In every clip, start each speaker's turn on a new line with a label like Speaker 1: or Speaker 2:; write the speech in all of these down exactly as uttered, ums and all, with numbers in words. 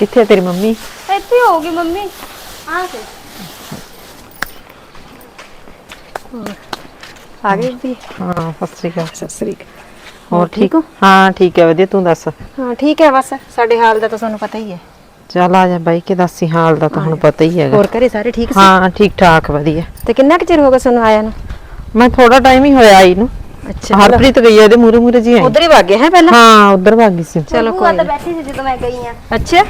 Speaker 1: कित्थे तेरी मम्मी?
Speaker 2: ਇੱਥੇ ਹੋਊਗੀ ਮੰਮੀ ਆ ਕੇ
Speaker 1: आ गई दी? हाँ सत श्री अकाल।
Speaker 2: ਸਤਿ ਸ੍ਰੀ ਅਕਾਲ
Speaker 1: और ठीक हो? हाँ ठीक है वधिया, तू दस?
Speaker 2: ਹਾਂ ਠੀਕ ਹੈ ਬਸ ਸਾਡੇ ਹਾਲ ਦਾ ਤਾਂ ਤੁਹਾਨੂੰ ਪਤਾ ਹੀ ਹੈ।
Speaker 1: चल आ जा बाई के दसी हाल दा तो हुण पता ही है।
Speaker 2: ਹੋਰ ਘਰੇ ਸਾਰੇ ਠੀਕ ਸੀ?
Speaker 1: हाँ ठीक ठाक वधिया।
Speaker 2: ਤੇ ਕਿੰਨਾ ਕੁ ਚਿਰ ਹੋ ਗਿਆ ਤੁਹਾਨੂੰ ਆਇਆ ਨੂੰ?
Speaker 1: मैं थोड़ा टाइम ही होया आई नू।
Speaker 2: ਅੱਛਾ
Speaker 1: हरप्रीत गई है मूरे मूरे जी आई।
Speaker 2: ਉਧਰ ਹੀ ਵਗ ਗਏ ਹੈ ਪਹਿਲਾਂ?
Speaker 1: हाँ उधर भागी सी।
Speaker 2: ਚਲੋ
Speaker 3: ਭੂਆ
Speaker 2: ਕੋਈ
Speaker 3: ਤਾਂ
Speaker 2: ਨੀ।
Speaker 3: ਬੈਠੀ ਸੀ ਜਦੋਂ ਮੈਂ ਗਈ ਆ।
Speaker 2: ਅੱਛਾ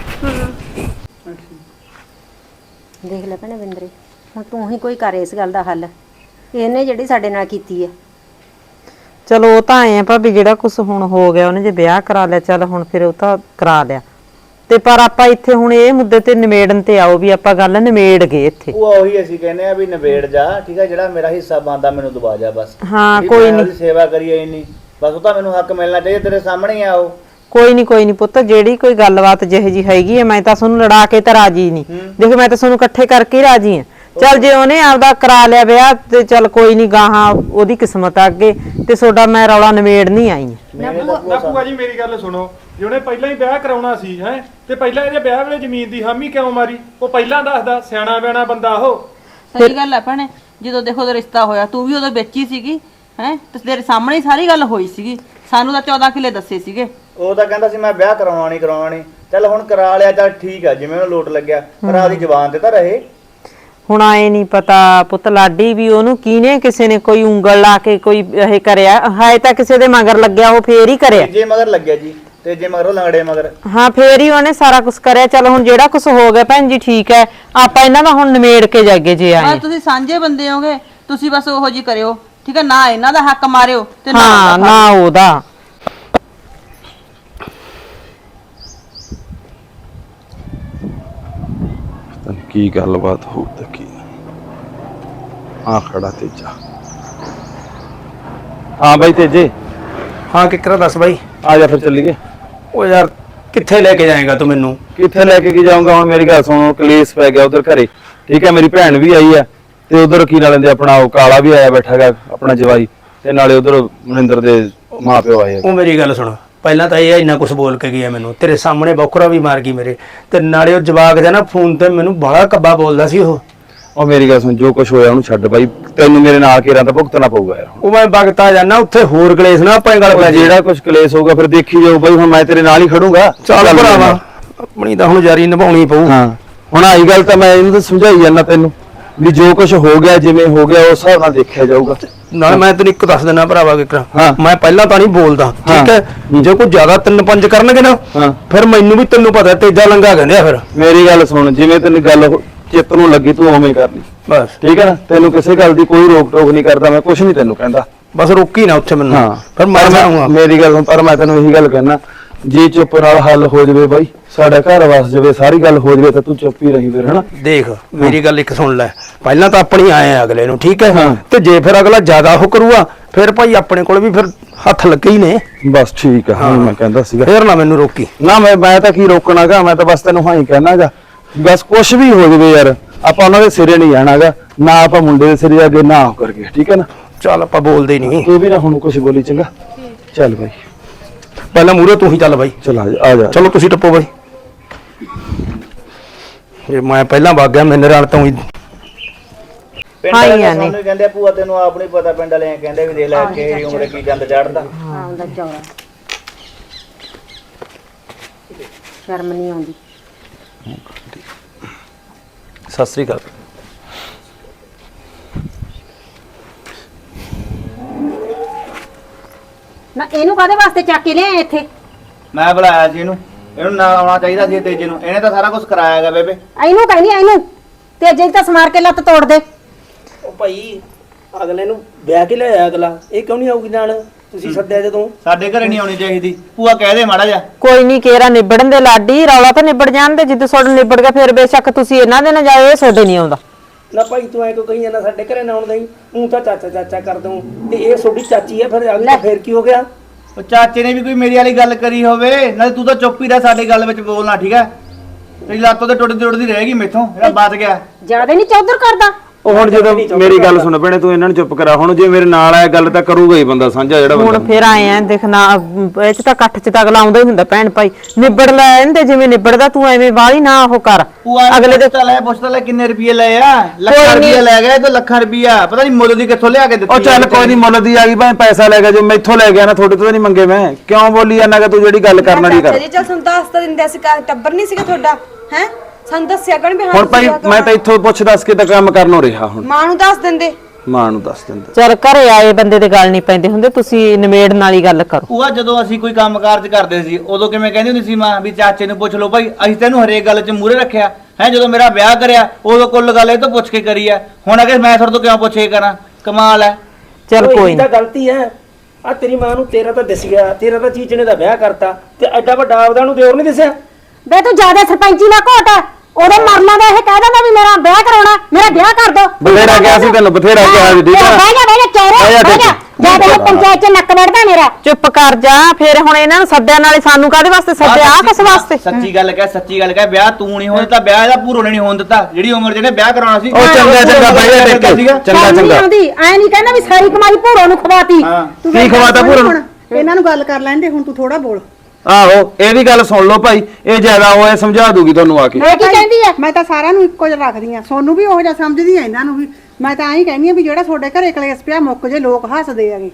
Speaker 2: ਦੇਖ ਲੈ ਭੈਣੇ ਬਿੰਦਰੇ, ਹੁਣ ਤੂੰ ਹੀ ਕੋਈ ਕਰ ਇਸ ਗੱਲ ਦਾ ਹੱਲ। ਇਹਨੇ ਜਿਹੜੀ ਸਾਡੇ ਨਾਲ ਕੀਤੀ ਹੈ।
Speaker 1: चलो वो तो आए हैं भाभी, जेड़ा कुछ हुण हो गया उन्हें जे ब्याह करा लिया, चल हुण फिर वो तो करा लिया ते पर आपां इत्थे हुण इह मुद्दे ते निमेड़न ते आओ भी आपां गल निमेड़ गए इत्थे।
Speaker 4: ਉਹ ਉਹੀ ਅਸੀਂ ਕਹਿੰਦੇ ਆ ਵੀ ਨਿਬੇੜ ਜਾ, ਠੀਕ ਹੈ, ਜਿਹੜਾ ਮੇਰਾ ਹਿੱਸਾ ਬਣਦਾ ਮੈਨੂੰ ਦਬਾ ਜਾ ਬਸ।
Speaker 1: हाँ
Speaker 4: ਵੀ
Speaker 1: कोई
Speaker 4: ਮੈਂ
Speaker 1: नहीं
Speaker 4: ਉਹਦੀ ਸੇਵਾ ਕਰੀਏ ਇੰਨੀ ਬਸ, ਉਹ ਤਾਂ ਮੈਨੂੰ ਹੱਕ ਮਿਲਣਾ ਚਾਹੀਦਾ, ਤੇਰੇ ਸਾਹਮਣੇ ਹੀ ਆ ਉਹ।
Speaker 1: कोई नहीं कोई नहीं पुत्त, जेड़ी कोई गलबात जिह जी हैगी है मैं तां सोनू लड़ा के तां राजी नहीं। देख मैं तां सोनू इकट्ठे करके ही राजी हां। चल जे ओने आपदा करा लिया ब्याह ते चल कोई नहीं, गाहां ओदी किस्मत आ अगे ते सोडा मैं रौला निमेड़ नहीं आई।
Speaker 4: ਮੇਰੇ ਤਾਂ
Speaker 5: ਨਾ
Speaker 4: ਭੂਆ
Speaker 5: ਭੂਆ ਜੀ ਮੇਰੀ ਗੱਲ ਸੁਣੋ, ਜੇ ਉਹਨੇ ਪਹਿਲਾਂ ਹੀ ਵਿਆਹ ਕਰਾਉਣਾ ਸੀ ਹੈ ਤੇ ਪਹਿਲਾਂ ਇਹਦੇ ਵਿਆਹ ਵੇਲੇ ਜ਼ਮੀਨ ਦੀ ਹਾਮੀ ਕਿਉਂ ਮਾਰੀ? ਉਹ ਪਹਿਲਾਂ ਦੱਸਦਾ, ਸਿਆਣਾ ਬਿਆਣਾ ਬੰਦਾ ਉਹ।
Speaker 6: ਸਹੀ ਗੱਲ ਹੈ ਭੈਣੇ, ਜਦੋਂ ਦੇਖੋ ਉਹਦਾ ਰਿਸ਼ਤਾ ਹੋਇਆ ਤੂੰ ਵੀ ਉਦੋਂ ਵਿੱਚ ਹੀ ਸੀਗੀ ਹੈ, ਤੇ ਤੇਰੇ ਸਾਹਮਣੇ ਹੀ ਸਾਰੀ ਗੱਲ ਹੋਈ ਸੀਗੀ। ਸਾਨੂੰ ਤਾਂ ਚੌਦਾਂ ਕਿੱਲੇ ਦੱਸੇ ਸੀਗੇ।
Speaker 4: ਉਹ ਤਾਂ ਕਹਿੰਦਾ ਸੀ ਮੈਂ ਵਿਆਹ ਕਰਾਉਣਾ ਨਹੀਂ ਕਰਾਉਣਾ ਨਹੀਂ। ਚੱਲ ਹੁਣ ਕਰਾ ਲਿਆ, ਚੱਲ ਠੀਕ ਆ, ਜਿਵੇਂ ਉਹਨੂੰ ਲੋਟ ਲੱਗਿਆ, ਪਰ ਆਦੀ ਜ਼ੁਬਾਨ ਤੇ ਤਾਂ ਰਹੇ।
Speaker 1: ਹੁਣ ਆਏ ਨਹੀਂ ਪਤਾ ਪੁੱਤ ਲਾਡੀ ਵੀ ਉਹਨੂੰ ਕਿਹਨੇ ਕਿਸੇ ਨੇ ਕੋਈ ਉਂਗਲ ਲਾ ਕੇ ਕੋਈ ਇਹ ਕਰਿਆ ਹੈ, ਤਾਂ ਕਿਸੇ ਦੇ ਮਗਰ ਲੱਗਿਆ ਉਹ ਫੇਰ ਹੀ ਕਰਿਆ।
Speaker 4: ਜੇ ਮਗਰ ਲੱਗਿਆ ਜੀ, ਤੇ ਜੇ ਮਗਰ ਉਹ ਲੰਗੜੇ ਮਗਰ।
Speaker 1: ਹਾਂ ਫੇਰ ਹੀ ਉਹਨੇ ਸਾਰਾ ਕੁਝ ਕਰਿਆ। ਚਲ ਹੁਣ ਜਿਹੜਾ ਕੁਝ ਹੋ ਗਿਆ ਭੈਣ ਜੀ ਠੀਕ ਹੈ, ਆਪਾਂ ਇਹਨਾਂ ਦਾ ਹੁਣ ਨਿਮੇੜ ਕੇ ਜਾਗੇ ਜੇ ਆਏ।
Speaker 6: ਬਸ ਤੁਸੀਂ ਸਾਂਝੇ ਬੰਦੇ ਹੋਗੇ, ਤੁਸੀਂ ਬਸ ਉਹੋ ਜੀ ਕਰਿਓ, ਠੀਕ ਹੈ, ਨਾ ਇਹਨਾਂ ਦਾ ਹੱਕ ਮਾਰਿਓ ਤੇ ਨਾ
Speaker 1: ਹਾਂ
Speaker 6: ਉਹਦਾ।
Speaker 1: ਨਾ ਉਹਦਾ।
Speaker 7: ਕੀ ਗੱਲਬਾਤ ਹੋ ਤੇ ਕੀ ਆ ਖੜਾ ਤੇਜਾ। ਹਾਂ ਬਾਈ ਤੇਜੇ।
Speaker 8: हाँ किकरा दस भाई।
Speaker 7: ਆ ਜਾ ਫਿਰ ਚੱਲੀਏ।
Speaker 8: ओ यार किथे लेके जाएगा तू मैनू?
Speaker 7: ਕਿੱਥੇ ਲੈ ਕੇ ਕੀ ਜਾਊਂਗਾ ਹੁਣ, ਮੇਰੀ ਗੱਲ ਸੁਣੋ, ਕਲੇਸ਼ ਪੈ ਗਿਆ ਉਧਰ ਘਰੇ, ਠੀਕ ਹੈ, ਮੇਰੀ ਭੈਣ ਵੀ ਆਈ ਹੈ ਤੇ ਉਧਰ ਕੀ ਨਾਲ ਲੈਂਦੇ ਆਪਣਾ ਉਹ ਕਾਲਾ ਵੀ ਆਇਆ ਬੈਠਾ ਹੈਗਾ ਆਪਣਾ ਜਵਾਈ, ਤੇ ਨਾਲੇ ਉਧਰ ਮਨਿੰਦਰ ਦੇ ਮਾਂ ਪਿਓ ਆਏ।
Speaker 8: ओ मेरी गल सुन, ਪਹਿਲਾਂ ਤਾਂ ਇਹ ਇੰਨਾ ਕੁਝ ਬੋਲ ਕੇ ਗਿਆ ਮੈਨੂੰ, ਤੇਰੇ ਸਾਹਮਣੇ ਬੋਕਰਾ ਵੀ ਮਾਰ ਗਈ ਮੇਰੇ ਤੇ, ਨਾਲੇ ਉਹ ਜਵਾਕ ਦਾ ਨਾ ਫੋਨ ਤੇ ਮੈਨੂੰ ਬੜਾ ਕੱਬਾ ਬੋਲਦਾ ਸੀ ਉਹ।
Speaker 7: ਉਹ ਮੇਰੀ ਗੱਲ ਸੁਣ, ਜੋ ਕੁਝ ਹੋਇਆ ਉਹਨੂੰ ਛੱਡ ਬਾਈ, ਤੈਨੂੰ ਮੇਰੇ ਨਾਲ ਘੇਰਾਂ ਤਾਂ ਭੁਗਤਣਾ ਪਊਗਾ ਯਾਰ।
Speaker 8: ਉਹ ਮੈਂ ਵਗਤਾ ਜਾਣਾ ਉੱਥੇ, ਹੋਰ ਕਲੇਸ਼ ਨਾ ਆਪਾਂ ਗੱਲ ਪੈ
Speaker 7: ਜਿਹੜਾ ਕੁਝ ਕਲੇਸ਼ ਹੋਊਗਾ ਫਿਰ ਦੇਖੀ ਜਾਓ ਬਾਈ, ਹੁਣ ਮੈਂ ਤੇਰੇ ਨਾਲ ਹੀ ਖੜੂੰਗਾ।
Speaker 8: ਚੱਲ ਭਰਾਵਾ, ਆਪਣੀ ਤਾਂ ਹੁਣ ਜਾਰੀ ਨਿਭਾਉਣੀ ਪਊ।
Speaker 7: ਹਾਂ ਹੁਣ ਆਈ ਗੱਲ ਤਾਂ ਮੈਂ ਇਹਨੂੰ ਤਾਂ ਸਮਝਾਈ ਜਾਂਦਾ ਤੈਨੂੰ ਵੀ ਜੋ ਕੁਝ ਹੋ ਗਿਆ ਜਿਵੇਂ ਹੋ ਗਿਆ ਉਸ ਹਿਸਾਬ ਨਾਲ ਦੇਖਿਆ ਜਾਊਗਾ।
Speaker 8: ਨਾਲ ਮੈਂ ਤੈਨੂੰ ਇੱਕ ਦੱਸ ਦਿੰਦਾ ਭਰਾਵਾ ਕਿਕਰਾ,
Speaker 7: ਹਾਂ।
Speaker 8: ਮੈਂ ਪਹਿਲਾਂ ਤਾਂ ਨਹੀਂ ਬੋਲਦਾ, ਠੀਕ ਹੈ, ਜੇ ਕੋਈ ਜ਼ਿਆਦਾ ਤਿੰਨ ਪੰਜ ਕਰਨਗੇ ਨਾ
Speaker 7: ਹਾਂ।
Speaker 8: ਫਿਰ ਮੈਨੂੰ ਵੀ ਤੈਨੂੰ ਪਤਾ ਤੇਜਾ ਲੰਗਾ ਕਹਿੰਦੇ ਆ ਫਿਰ।
Speaker 7: ਮੇਰੀ ਗੱਲ ਸੁਣ, ਜਿਵੇਂ ਤੈਨੂੰ ਗੱਲ ਹੋ- ਚਿੱਤ ਨੂੰ ਲੱਗੀ ਤੂੰ ਉਵੇਂ ਕਰ ਲਈ
Speaker 8: ਬਸ
Speaker 7: ਠੀਕ ਹੈ ਨਾ, ਤੈਨੂੰ ਕਿਸੇ ਗੱਲ ਦੀ ਕੋਈ ਰੋਕ ਟੋਕ ਨਹੀਂ ਕਰਦਾ, ਮੈਂ ਕੁਝ ਨਹੀਂ ਤੈਨੂੰ ਕਹਿੰਦਾ।
Speaker 8: ਬਸ ਰੋਕੀ ਨਾ ਉੱਥੇ ਮੈਨੂੰ,
Speaker 7: ਹਾਂ
Speaker 8: ਫਿਰ ਮੈਂ ਜਾਊਂਗਾ।
Speaker 7: ਮੇਰੀ ਗੱਲ ਸੁਣ, ਪਰ ਮੈਂ ਤੈਨੂੰ ਇਹੀ ਗੱਲ ਕਹਿਣਾ, ਜੇ ਚੁੱਪ ਨਾਲ ਹੱਲ ਹੋ ਜਾਵੇ ਬਾਈ, ਸਾਡਾ ਘਰ ਵਸ ਜਾਵੇ, ਸਾਰੀ ਗੱਲ ਹੋ ਜਾਵੇ, ਤਾਂ ਤੂੰ ਚੁੱਪ ਹੀ ਰਹੀ ਫਿਰ, ਹਨਾ।
Speaker 8: ਦੇਖ ਮੇਰੀ ਗੱਲ ਇੱਕ ਸੁਣ ਲੈ, ਪਹਿਲਾਂ ਤਾਂ ਆਪਣੀ ਆਏ ਆ ਅਗਲੇ ਨੂੰ, ਠੀਕ ਹੈ,
Speaker 7: ਹਾਂ।
Speaker 8: ਤੇ ਜੇ ਫਿਰ ਅਗਲਾ ਜ਼ਿਆਦਾ ਉਹ ਕਰੂਗਾ ਫਿਰ ਭਾਈ ਆਪਣੇ ਕੋਲ ਵੀ ਫਿਰ ਹੱਥ ਲੱਗੇ ਹੀ ਨੇ।
Speaker 7: ਬਸ ਠੀਕ ਆ, ਹਾਂ ਮੈਂ ਕਹਿੰਦਾ ਸੀਗਾ।
Speaker 8: ਫਿਰ ਨਾ ਮੈਨੂੰ ਰੋਕੀ
Speaker 7: ਨਾ ਮੈਂ ਮੈਂ ਤਾਂ ਕੀ ਰੋਕਣਾਗਾ, ਮੈਂ ਤਾਂ ਬਸ ਤੈਨੂੰ ਹਾਂ ਹੀ ਕਹਿਣਾਗਾ, ਬਸ ਕੁਝ ਵੀ ਹੋ ਜਾਵੇ ਯਾਰ, ਆਪਾਂ ਉਹਨਾਂ ਦੇ ਸਿਰੇ ਨਹੀਂ ਜਾਣਾਗਾ, ਨਾ ਆਪਾਂ ਮੁੰਡੇ ਦੇ ਸਿਰੇ ਅੱਗੇ ਨਾ ਹੋ ਕਰਕੇ, ਠੀਕ ਹੈ ਨਾ।
Speaker 8: ਚੱਲ ਆਪਾਂ ਬੋਲਦੇ ਨਹੀਂ,
Speaker 7: ਤੂੰ ਵੀ ਨਾ ਹੁਣ ਕੁਝ ਬੋਲੀ, ਚੰਗਾ। ਚੱਲ ਬਾਈ,
Speaker 8: ਪਹਿਲਾਂ ਮੂਹਰੇ ਤੂੰ ਹੀ ਚੱਲ ਬਾਈ।
Speaker 7: ਚਲ ਆ ਜਾ ਆ ਜਾ।
Speaker 8: ਚਲੋ ਤੁਸੀਂ ਟੱਪੋ ਬਾਈ, ਜੇ ਮੈਂ ਪਹਿਲਾਂ ਵਗ ਗਿਆ ਮੇਰੇ ਨਾਲ ਤਾਂ ਹੀ।
Speaker 4: ਪਿੰਡ
Speaker 1: ਹਾਂ ਹੀ
Speaker 4: ਵਾਲੇ
Speaker 1: ਆ
Speaker 4: ਸਾਨੂੰ ਹੀ ਕਹਿੰਦੇ ਆ, ਭੂਆ ਤੈਨੂੰ ਆਪ ਨਹੀਂ ਪਤਾ, ਪਿੰਡ ਵਾਲੇ ਕਹਿੰਦੇ ਵੀ ਦੇਖ ਲੈ ਕਿ ਉਮਰੇ ਕੀ ਗੰਦ ਚੜਦਾ।
Speaker 2: ਹਾਂ ਉਹਦਾ ਚੌੜਾ ਸ਼ਰਮ ਨਹੀਂ ਆਉਂਦੀ।
Speaker 8: ਸਤਿ ਸ੍ਰੀ ਅਕਾਲ।
Speaker 2: ਨਾ ਇਹਨੂੰ ਕਾਹਦੇ ਵਾਸਤੇ ਚੱਕ ਕੇ ਲਿਆਏ ਇੱਥੇ?
Speaker 4: ਮੈਂ ਬੁਲਾਇਆ ਸੀ ਇਹਨੂੰ, ਇਹਨੂੰ ਨਾਲ ਆਉਣਾ ਚਾਹੀਦਾ ਸੀ ਤੇਜੇ ਨੂੰ, ਇਹਨੇ ਤਾਂ ਸਾਰਾ ਕੁਝ ਕਰਾਇਆਗਾ ਬੇਬੇ।
Speaker 2: ਇਹਨੂੰ ਕਹਿੰਦੀ ਇਹਨੂੰ ਤੇ ਜੇ ਤਾਂ ਸਮਾਰ ਕੇ ਲੱਤ ਤੋੜ ਦੇ।
Speaker 9: ਉਹ ਭਾਈ ਅਗਲੇ ਨੂੰ ਵਿਆਹ ਕੇ ਲਿਆਇਆ ਅਗਲਾ, ਇਹ ਕਿਉਂ ਨਹੀਂ ਆਊਗੀ ਨਾਲ? ਤੁਸੀਂ ਸੱਦਿਆ ਜਦੋਂ।
Speaker 4: ਸਾਡੇ ਘਰੇ ਨਹੀਂ ਆਉਣੀ ਚਾਹੀਦੀ, ਭੂਆ ਕਹਿ ਦੇ ਮਾੜਾ ਜਾ।
Speaker 1: ਕੋਈ ਨਹੀਂ ਕੇਰਾ ਨਿਬੜਨ ਦੇ ਲਾਡੀ, ਰੌਲਾ ਤਾਂ ਨਿਬੜ ਜਾਣ ਦੇ, ਜਿੱਦ ਤੁਹਾਡਾ ਨਿਬੜ ਗਿਆ ਫਿਰ ਬੇਸ਼ੱਕ ਤੁਸੀਂ ਇਹਨਾਂ ਦੇ ਨਾ ਜਾਓ, ਇਹ ਤੁਹਾਡੇ ਨਹੀਂ ਆਉਂਦਾ।
Speaker 9: ਨਾ ਭਾਈ ਤੂੰ ਐ ਕੋ ਕਹੀ ਜਾਂਦਾ ਸਾਡੇ ਘਰੇ ਨਾ ਆਉਂਦਾ ਹੀ, ਤੂੰ ਤਾਂ ਚਾਚਾ ਚਾਚਾ ਕਰ ਦੂੰ, ਤੇ ਇਹ ਤੁਹਾਡੀ ਚਾਚੀ ਹੈ, ਫਿਰ ਅਗਲੀ ਫਿਰ ਕੀ ਹੋ ਗਿਆ?
Speaker 4: ਉਹ ਚਾਚੇ ਨੇ ਵੀ ਕੋਈ ਮੇਰੀ ਵਾਲੀ ਗੱਲ ਕਰੀ ਹੋਵੇ, ਨਾਲੇ ਤੂੰ ਤਾਂ ਚੁੱਪ ਹੀ ਰਹਿ, ਸਾਡੀ ਗੱਲ ਵਿੱਚ ਬੋਲਣਾ, ਠੀਕ ਹੈ। ਤੇਰੀ ਲੱਤ ਉਹਦੇ ਟੁੱਟਦੀ ਟੁੱਟਦੀ ਰਹੇਗੀ ਮੇਥੋਂ, ਜਿਹੜਾ ਬਚ ਗਿਆ।
Speaker 2: ਜਿਆਦਾ ਨਹੀਂ ਚੌਧਰ ਕਰਦਾ,
Speaker 7: ਉਹ ਹੁਣ ਜਦੋਂ ਮੇਰੀ ਗੱਲ ਸੁਣ ਭੈਣੇ ਤੂੰ ਇਹਨਾਂ ਨੂੰ ਚੁੱਪ ਕਰਾ ਹੁਣ ਜੇ ਮੇਰੇ ਨਾਲ ਆਇਆ ਗੱਲ ਤਾਂ ਕਰੂਗਾ ਹੀ ਬੰਦਾ ਸਾਂਝਾ ਜਿਹੜਾ ਬੰਦਾ
Speaker 1: ਹੁਣ ਫਿਰ ਆਏ ਆ ਦੇਖਣਾ ਇਹ ਚ ਤਾਂ ਇਕੱਠ ਚ ਤਾਂ ਅਗਲਾ ਆਉਂਦਾ ਹੀ ਹੁੰਦਾ ਭੈਣ ਭਾਈ ਨਿਬੜ ਲੈ ਇਹਦੇ ਜਿਵੇਂ ਨਿਬੜਦਾ ਤੂੰ ਐਵੇਂ ਬਾਹਲੀ ਨਾ ਉਹ ਕਰ
Speaker 4: ਅਗਲੇ ਦੇ ਤਾਂ ਲੈ ਪੁੱਛਦਾ ਲੈ ਕਿੰਨੇ ਰੁਪਏ ਲਏ ਆ ਲੱਖਾਂ ਰੁਪਏ ਲੈ ਗਿਆ ਇਹ ਤਾਂ ਲੱਖਾਂ ਰੁਪਿਆ ਪਤਾ ਨਹੀਂ ਮੁੱਲ ਦੀ ਕਿੱਥੋਂ ਲਿਆ ਕੇ ਦਿੱਤੀ
Speaker 7: ਉਹ ਚੱਲ ਕੋਈ ਨਹੀਂ ਮੁੱਲ ਦੀ ਆ ਗਈ ਭਾਵੇਂ ਪੈਸਾ ਲੈ ਗਿਆ ਜੋ ਮੈਥੋਂ ਲੈ ਗਿਆ ਨਾ ਤੁਹਾਡੇ ਤੋਂ ਤਾਂ ਨਹੀਂ ਮੰਗੇ ਮੈਂ ਕਿਉਂ ਬੋਲੀ ਜਾਂਦਾ ਕਿ ਤੂੰ ਜਿਹੜੀ ਗੱਲ ਕਰਨ ਵਾਲੀ ਕਰ
Speaker 3: ਜੀ ਚਲ ਸਾਨੂੰ ਦੱਸ ਤਾਂ ਦਿੰਦੇ ਅਸੀਂ ਟੱਬਰ ਨਹੀਂ ਸੀਗਾ ਤੁਹਾਡਾ ਹੈ ਸਾਨੂੰ ਦੱਸਿਆ ਕਣ ਵੀ ਹਾਂ
Speaker 7: ਹੁਣ ਭਾਈ ਮੈਂ ਤਾਂ ਇੱਥੋਂ ਪੁੱਛ ਦੱਸ ਕੇ ਤਾਂ ਕੰਮ ਕਰਨੋਂ ਰਿਹਾ ਹੁਣ
Speaker 3: ਮਾਂ ਨੂੰ ਦੱਸ ਦਿੰਦੇ
Speaker 7: ਮਾਂ ਨੂੰ ਦੱਸ ਦਿੰਦਾ
Speaker 1: ਚਲ ਘਰੇ ਆਏ ਬੰਦੇ ਦੇ ਗੱਲ ਨਹੀਂ ਪੈਂਦੇ ਹੁੰਦੇ ਤੁਸੀਂ ਨਿਮੇੜਨ ਵਾਲੀ ਗੱਲ ਕਰੋ
Speaker 4: ਉਹ ਜਦੋਂ ਅਸੀਂ ਕੋਈ ਕੰਮ ਕਾਰਜ ਕਰਦੇ ਸੀ ਉਦੋਂ ਕਿਵੇਂ ਕਹਿੰਦੀ ਹੁੰਦੀ ਸੀ ਮਾਂ ਵੀ ਚਾਚੇ ਨੂੰ ਪੁੱਛ ਲਓ ਭਾਈ ਅਸੀਂ ਤੈਨੂੰ ਹਰੇਕ ਗੱਲ 'ਚ ਮੂਹਰੇ ਰੱਖਿਆ ਹੈ ਜਦੋਂ ਮੇਰਾ ਵਿਆਹ ਕਰਿਆ ਉਦੋਂ ਕੁੱਲ ਗੱਲ ਇਹ ਤੋਂ ਪੁੱਛ ਕੇ ਕਰੀ ਆ ਹੁਣ ਅਗੇ ਮੈਂ ਤੁਹਾਡੇ ਤੋਂ ਕਿਉਂ ਪੁੱਛ ਕੇ ਕਰਾਂ ਕਮਾਲ ਹੈ
Speaker 1: ਚਲ
Speaker 9: ਓਏ,
Speaker 1: ਕੋਈ
Speaker 9: ਇਹਦੀ ਤਾਂ ਗਲਤੀ ਹੈ ਆ ਤੇਰੀ ਮਾਂ ਨੂੰ ਤੇਰਾ ਤਾਂ ਦਿਸ ਗਿਆ ਤੇਰਾ ਤਾਂ ਚੀਚਣੇ ਦਾ ਵਿਆਹ ਕਰਤਾ ਤੇ ਐਡਾ ਵੱਡਾ ਆਪਦਾ ਨੂੰ ਦਿਓਰ ਨਹੀਂ ਦਿਸਿਆ
Speaker 2: ਬੇ ਤੂੰ ਜਿਆਦਾ ਸਰਪੰਚੀ ਨਾ ਘੋਟ ਉਹਦੇ ਮਰਨਾ ਦਾ ਇਹ ਕਹਿ ਦਿੰਦਾ ਵੀ ਮੇਰਾ ਵਿਆਹ ਕਰਾਉਣਾ ਮੇਰਾ ਵਿਆਹ ਕਰ ਦੋ
Speaker 7: ਬਥੇਰਾ ਕਿਹਾ ਸੀ ਤੈਨੂੰ ਬਥੇਰਾ ਕਿਹਾ ਸੀ ਠੀਕ ਆ
Speaker 2: ਬਹਿ ਜਾ ਬਹਿ ਜਾ ਚੋਰੇ ਬਹਿ ਜਾ ਜਾ ਤੇ ਪੰਚਾਇਤ ਚ ਨੱਕ ਵੜਦਾ ਮੇਰਾ
Speaker 1: ਚੁੱਪ ਕਰ ਜਾ ਫਿਰ ਹੁਣ ਇਹਨਾਂ ਨੂੰ ਸੱਦਿਆ ਨਾਲੇ ਸਾਨੂੰ ਕਾਹਦੇ ਵਾਸਤੇ ਸੱਦਿਆ ਆ ਕਿਸ ਵਾਸਤੇ
Speaker 4: ਸੱਚੀ ਗੱਲ ਕਹਿ ਸੱਚੀ ਗੱਲ ਕਹਿ ਵਿਆਹ ਤੂੰ ਨਹੀਂ ਹੋਣ ਦਿੱਤਾ ਵਿਆਹ ਇਹਦਾ ਭੂਰੋ ਨੇ ਨਹੀਂ ਹੋਣ ਦਿੱਤਾ ਜਿਹੜੀ ਉਮਰ ਜਿਹਨੇ ਵਿਆਹ ਕਰਾਉਣਾ ਸੀ
Speaker 7: ਉਹ ਚੰਗਾ ਚੰਗਾ ਭਾਈ ਇਹ ਦੇਖ ਚੰਗਾ
Speaker 2: ਸ਼ਰਮ ਨੀ
Speaker 7: ਚੰਗਾ
Speaker 2: ਆਉਂਦੀ ਐ ਨਹੀਂ ਕਹਿੰਦਾ ਵੀ ਸਾਰੀ ਕਮਾਈ ਭੂਰੋ ਨੂੰ ਖਵਾਤੀ
Speaker 7: ਕੀ ਖਵਾਤਾ ਭੂਰਨ
Speaker 3: ਇਹਨਾਂ ਨੂੰ ਗੱਲ ਕਰ ਲੈਂਦੇ ਹੁਣ ਤੂੰ ਥੋੜਾ ਬੋਲ
Speaker 7: ਆਹੋ ਇਹ ਵੀ ਗੱਲ ਸੁਣ ਲਓ ਭਾਈ ਇਹ ਜ਼ਿਆਦਾ ਹੋਇਆ ਸਮਝਾ ਦੂਗੀ ਤੁਹਾਨੂੰ ਆ ਕੇ
Speaker 2: ਇਹ ਕੀ ਕਹਿੰਦੀ ਐ
Speaker 3: ਮੈਂ ਤਾਂ ਸਾਰਿਆਂ ਨੂੰ ਇੱਕੋ ਜਿਹਾ ਰੱਖਦੀ ਆ ਸੋਨੂੰ ਵੀ ਉਹੋ ਜਿਹਾ ਸਮਝਦੀ ਆ ਇਹਨਾਂ ਨੂੰ ਵੀ ਮੈਂ ਤਾਂ ਐਂ ਕਹਿੰਦੀ ਆ ਵੀ ਜਿਹੜਾ ਤੁਹਾਡੇ ਘਰੇ ਕਲੇਸ਼ ਪਿਆ ਮੁੱਕ ਜੇ ਲੋਕ ਹੱਸਦੇ ਆਗੇ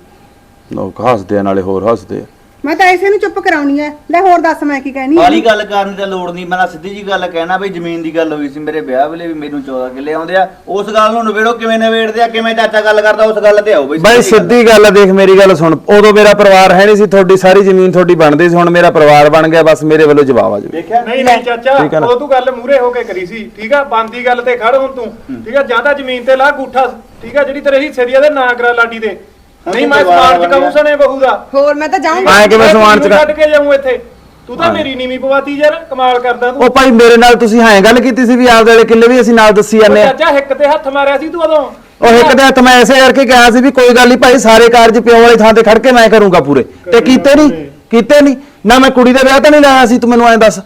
Speaker 7: ਲੋਕ ਹੱਸਦੇ ਆ ਨਾਲੇ ਹੋਰ ਹੱਸਦੇ ਆ
Speaker 3: ਮੈਂ ਤਾਂ ਐਸੇ ਨੂੰ ਚੁੱਪ ਕਰਾਉਣੀ ਐ ਲੈ ਹੋਰ ਦੱਸ ਮੈਂ ਕੀ ਕਹਿਣੀ ਆ
Speaker 4: ਵਾਲੀ ਗੱਲ ਕਰਨ ਦੀ ਤਾਂ ਲੋੜ ਨਹੀਂ ਮੈਂ ਤਾਂ ਸਿੱਧੀ ਜੀ ਗੱਲ ਕਹਿਣਾ ਬਈ ਜ਼ਮੀਨ ਦੀ ਗੱਲ ਹੋਈ ਸੀ ਮੇਰੇ ਵਿਆਹ ਵੇਲੇ ਵੀ ਮੈਨੂੰ ਚੌਦਾਂ ਕਿੱਲੇ ਆਉਂਦੇ ਆ ਉਸ ਗੱਲ ਨੂੰ ਨਵੇੜੋ ਕਿਵੇਂ ਨਵੇੜਦੇ ਆ ਕਿਵੇਂ ਚਾਚਾ ਗੱਲ ਕਰਦਾ ਉਸ ਗੱਲ ਤੇ ਆਓ ਬਈ
Speaker 7: ਬਾਈ ਸਿੱਧੀ ਗੱਲ ਆ, ਦੇਖ ਮੇਰੀ ਗੱਲ ਸੁਣ ਉਦੋਂ ਮੇਰਾ ਪਰਿਵਾਰ ਹੈ ਨਹੀਂ ਸੀ ਤੁਹਾਡੀ ਸਾਰੀ ਜ਼ਮੀਨ ਤੁਹਾਡੀ ਬਣਦੀ ਸੀ ਹੁਣ ਮੇਰਾ ਪਰਿਵਾਰ ਬਣ ਗਿਆ ਬਸ ਮੇਰੇ ਵੱਲੋਂ ਜਵਾਬ ਆ ਜੀ
Speaker 5: ਦੇਖਿਆ ਨਹੀਂ ਨਹੀਂ ਚਾਚਾ ਉਹ ਤੂੰ ਗੱਲ ਮੂਰੇ ਹੋ ਕੇ ਕਰੀ ਸੀ ਠੀਕ ਆ ਬੰਦੀ ਗੱਲ ਤੇ ਖੜ ਹੁਣ ਤੂੰ ਠੀਕ ਆ ਜਾਂ ਤਾਂ ਜ਼ਮੀਨ ਤੇ ਲਾ ਗੂਠਾ ਠੀਕ ਆ ਜਿਹੜੀ ਤੇਰੇ ਹਿੱਸੇ ਦੀ ਆ ਤੇ ਨਾ ਕਰਾ ਲਾਡੀ ਦੇ ਨਹੀਂ ਮੈਂ ਸਮਾਨ ਚਕਾਉਂ ਸਣੇ ਬਹੂ ਦਾ
Speaker 3: ਹੋਰ ਮੈਂ ਤਾਂ ਜਾਊਂਗਾ
Speaker 7: ਐ ਕਿਵੇਂ ਸਮਾਨ ਚ
Speaker 5: ਛੱਡ ਕੇ ਜਾਊਂ ਇੱਥੇ ਤੂੰ ਤਾਂ ਮੇਰੀ ਨੀਵੀਂ ਪਵਾਤੀ ਯਾਰ ਕਮਾਲ ਕਰਦਾ ਤੂੰ
Speaker 7: ਉਹ ਭਾਈ ਮੇਰੇ ਨਾਲ ਤੁਸੀਂ ਹਾਂ ਗੱਲ ਕੀਤੀ ਸੀ ਵੀ ਆਪਦੇ ਵਾਲੇ ਕਿੱਲੇ ਵੀ ਅਸੀਂ ਨਾਲ ਦੱਸੀ ਜਾਂਦੇ ਆ
Speaker 5: ਚਾਚਾ ਹਿੱਕ ਤੇ ਹੱਥ ਮਾਰਿਆ ਸੀ ਤੂੰ ਉਦੋਂ
Speaker 7: ਉਹ ਇੱਕ ਦੇ ਹੱਥ ਮੈਂ ਐਸੇ ਕਰਕੇ ਕਿਹਾ ਸੀ ਵੀ ਕੋਈ ਗੱਲ ਨਹੀਂ ਭਾਈ ਸਾਰੇ ਕਾਰਜ ਪਿਓ ਵਾਲੀ ਥਾਂ ਤੇ ਖੜ ਕੇ ਮੈਂ ਕਰੂੰਗਾ ਪੂਰੇ ਤੇ ਕੀਤੇ ਨਹੀਂ ਕੀਤੇ ਨਹੀਂ ਨਾ ਮੈਂ ਕੁੜੀ ਦਾ ਵਿਆਹ ਤਾਂ ਨਹੀਂ ਲਾਇਆ ਸੀ ਤੂੰ ਮੈਨੂੰ ਐਂ ਦੱਸ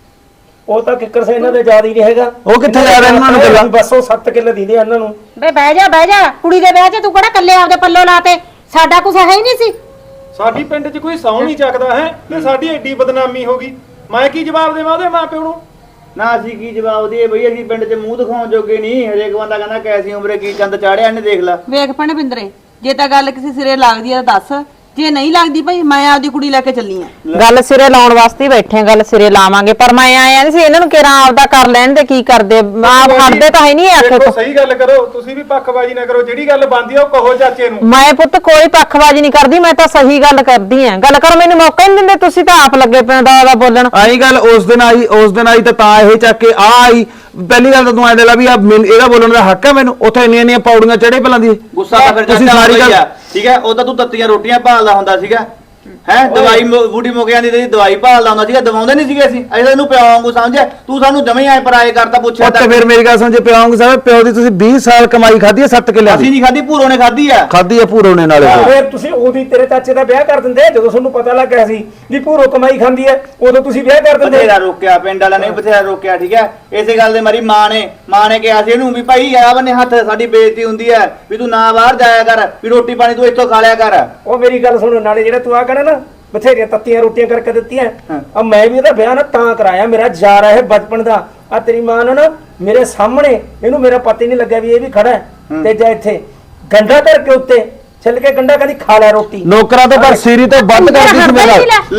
Speaker 9: ਉਹ ਤਾਂ ਕਿੱਕਰ ਸੇ ਇਹਨਾਂ ਦੇ ਯਾਦ ਹੀ ਨਹੀਂ ਹੈਗਾ
Speaker 7: ਉਹ ਕਿੱਥੇ ਯਾਦ ਇਹਨਾਂ ਨੂੰ ਗੱਲਾਂ
Speaker 9: ਬਸ ਉਹ ਸੱਤ ਕਿੱਲੇ ਦਿੰਦੇ ਇਹਨਾਂ ਨੂੰ
Speaker 2: ਬੇ ਬਹਿ ਜਾ ਬਹਿ ਜਾ ਕੁੜੀ ਦੇ ਵਿਆਹ 'ਚ ਤੂੰ ਕਿਹੜਾ ਕੱਲੇ ਆਪਦੇ ਪੱਲੋ ਲਾਤੇ ਸਾਡਾ ਕੁਛ ਹੈ ਹੀ ਨਹੀਂ ਸੀ
Speaker 5: ਸਾਡੀ ਪਿੰਡ 'ਚ ਕੋਈ ਸੌਂ ਨਹੀਂ ਚੱਕਦਾ ਹੈ ਤੇ ਸਾਡੀ ਐਡੀ ਬਦਨਾਮੀ ਹੋ ਗਈ ਮੈਂ ਕੀ ਜਵਾਬ ਦੇਵਾਂ ਉਹਦੇ ਮਾਂ ਪਿਓ ਨੂੰ
Speaker 4: ਨਾ ਅਸੀਂ ਕੀ ਜਵਾਬ ਦਈਏ ਬਈ ਅਸੀਂ ਪਿੰਡ 'ਚ ਮੂੰਹ ਦਿਖਾਉਣ ਜੋਗੇ ਨਹੀਂ ਹਰੇਕ ਬੰਦਾ ਕਹਿੰਦਾ ਕੈਸੀ ਉਮਰੇ ਕੀ ਚੰਦ ਚਾੜਿਆ ਇਹਨੇ ਦੇਖ ਲੈ
Speaker 6: ਵੇਖ ਭੈਣੇ ਬਿੰਦਰੇ ਜੇ ਤਾਂ ਗੱਲ ਕਿਸੇ ਸਿਰੇ ਲੱਗਦੀ ਆ ਤਾਂ ਦੱਸ ਜੇ ਨਹੀਂ ਲੱਗਦੀ ਭਾਈ ਮੈਂ ਆਪਦੀ ਕੁੜੀ ਲੈ ਕੇ ਚੱਲੀ ਆ
Speaker 1: ਗੱਲ ਸਿਰੇ ਲਾਉਣ ਵਾਸਤੇ ਹੀ ਬੈਠੇ ਆ ਗੱਲ ਸਿਰੇ ਲਾਵਾਂਗੇ ਪਰ ਮੈਂ ਆਇਆ ਨਹੀਂ ਸੀ ਇਹਨਾਂ ਨੂੰ ਕਿਹੜਾ ਆਪਦਾ ਕਰ ਲੈਣ ਦੇ ਕੀ ਕਰਦੇ ਆਪ ਖੜਦੇ ਤਾਂ ਹੈ ਨਹੀਂ ਆਖੇ
Speaker 5: ਦੇਖੋ
Speaker 1: ਤੋਂ
Speaker 5: ਸਹੀ ਗੱਲ ਕਰੋ ਤੁਸੀਂ ਵੀ ਪੱਖਬਾਜ਼ੀ ਨਾ ਕਰੋ ਜਿਹੜੀ ਗੱਲ ਬਣਦੀ ਆ ਉਹ ਕਹੋ ਚਾਚੇ ਨੂੰ
Speaker 1: ਮੈਂ ਪੁੱਤ ਕੋਈ ਪੱਖਬਾਜ਼ੀ ਨਹੀਂ ਕਰਦੀ ਮੈਂ ਤਾਂ ਸਹੀ ਗੱਲ ਕਰਦੀ ਆ ਗੱਲ ਕਰੋ ਮੈਨੂੰ ਮੌਕਾ ਨਹੀਂ ਦਿੰਦੇ ਤੁਸੀਂ ਤਾਂ ਆਪ ਲੱਗੇ ਪਏ ਦਾ ਦਾ ਬੋਲਣ
Speaker 7: ਆਹੀ ਗੱਲ ਉਸ ਦਿਨ ਆਈ ਉਸ ਦਿਨ ਆਈ ਤਾਂ ਤਾਂ ਇਹ ਚੱਕ ਕੇ ਆ ਆਈ ਪਹਿਲੀ ਗੱਲ ਤਾਂ ਤੂੰ ਐ ਦੇ ਲਾ ਵੀ ਆ ਇਹਦਾ ਬੋਲਣ ਦਾ ਹੱਕ ਹੈ ਮੈਨੂੰ ਉੱਥੇ ਇੰਨੀਆਂ ਇੰਨੀਆਂ ਪੌੜੀਆਂ ਚੜੇ ਪਹਿਲਾਂ ਦੀ
Speaker 4: ਗੁੱਸਾ ਤਾਂ ਫਿਰ
Speaker 7: ਤੁਸੀਂ
Speaker 4: ਚਾਚਾ
Speaker 7: ਸਾਰੀ ਗੱਲ
Speaker 4: ਆ ਠੀਕ ਹੈ ਉਹ ਤਾਂ ਤੂੰ ਤੱਤੀਆਂ ਰੋਟੀਆਂ ਭਾਲਦਾ ਹੁੰਦਾ ਸੀਗਾ ਹੈ ਦਵਾਈ ਬੂਟੀ ਮੁੱਕ ਜਾਂਦੀ ਤੇ ਦਵਾਈ ਭਾਲਦਾ ਹੁੰਦਾ ਸੀਗਾ ਦਵਾਉਂਦੇ ਨਹੀਂ ਸੀਗੇ ਅਸੀਂ ਅਸੀਂ ਇਹਨੂੰ ਪਿਓ ਵਾਂਗੂ ਸਮਝਿਆ ਤੂੰ ਸਾਨੂੰ ਜਮੇ ਆਏ ਪਰਾਏ ਕਰਤਾ ਪੁੱਛਿਆ
Speaker 7: ਉੱਤੇ ਫਿਰ ਮੇਰੀ ਗੱਲ ਸੁਣ ਜੇ ਪਿਓ ਵਾਂਗੂ ਸਾਹਿਬ ਪਿਓ ਦੀ ਤੁਸੀਂ ਵੀਹ ਸਾਲ ਕਮਾਈ ਖਾਧੀ ਹੈ ਸੱਤ ਕਿੱਲਿਆਂ
Speaker 4: ਅਸੀਂ
Speaker 7: ਦੀ
Speaker 4: ਨਹੀਂ ਖਾਧੀ ਭੂਰੋ ਨੇ ਖਾਧੀ ਆ
Speaker 7: ਖਾਧੀ ਹੈ ਭੂਰੋ ਨੇ ਨਾਲੇ
Speaker 9: ਫਿਰ ਤੁਸੀਂ ਉਹਦੀ ਤੇਰੇ ਚਾਚੇ ਦਾ ਵਿਆਹ ਕਰ ਦਿੰਦੇ ਜਦੋਂ ਤੁਹਾਨੂੰ ਪਤਾ ਲੱਗ ਗਿਆ ਸੀ ਵੀ ਭੂਰੋ ਕਮਾਈ ਖਾਂਦੀ ਹੈ ਉਦੋਂ ਤੁਸੀਂ ਵਿਆਹ ਕਰ ਦਿੰਦੇ
Speaker 4: ਬਥੇਰਾ ਰੋਕਿਆ ਪਿੰਡ ਵਾਲਿਆਂ ਨੇ ਬਥੇਰਾ ਰੋਕਿਆ ਠੀਕ ਹੈ ਇਸੇ ਗੱਲ ਦੇ ਮਾਰੀ ਮਾਂ ਨੇ ਮਾਂ ਨੇ ਕਿਹਾ ਸੀ ਇਹਨੂੰ ਵੀ ਭਾਈ ਆ ਬੰਨੇ ਹੱਥ ਸਾਡੀ ਬੇਇੱਜ਼ਤੀ ਹੁੰਦੀ ਹੈ ਵੀ ਤੂੰ ਨਾ ਬਾਹਰ ਜਾਇਆ ਕਰ ਵੀ ਰੋਟੀ ਪਾਣੀ ਤੂੰ ਇੱਥੋਂ ਖਾ ਲਿਆ ਕਰ
Speaker 9: ਉਹ ਮੇਰੀ ਗੱਲ ਸੁਣੋ ਨਾਲੇ ਜਿਹੜਾ ਤੂੰ ਆ ਕਹਿਣਾ ਨਾ ਬਥੇਰੀਆਂ ਤੱਤੀਆਂ ਰੋਟੀਆਂ ਕਰਕੇ ਦਿੱਤੀਆਂ ਆ ਮੈਂ ਵੀ ਇਹਦਾ ਵਿਆਹ ਨਾ ਤਾਂ ਕਰਾਇਆ ਮੇਰਾ ਯਾਰ ਹੈ ਬਚਪਨ ਦਾ ਆ ਤੇਰੀ ਮਾਂ ਨੇ ਨਾ ਮੇਰੇ ਸਾਹਮਣੇ ਇਹਨੂੰ ਮੇਰਾ ਪਤਾ ਹੀ ਨਹੀਂ ਲੱਗਿਆ ਵੀ ਇਹ ਵੀ ਖੜਾ ਹੈ ਤੇ ਜਾ ਇੱਥੇ ਗੰਡਾ ਧਰ ਕੇ ਉੱਤੇ ਛਿੱਲ ਕੇ ਗੰਡਾ ਕਹਿੰਦੀ ਖਾ ਲੈ ਰੋਟੀ
Speaker 7: ਨੌਕਰਾਂ ਤੋਂ ਪਰ ਸੀਰੀ ਤੋਂ ਵੱਧ ਕਰਦੀ ਸੀ ਮੇਰਾ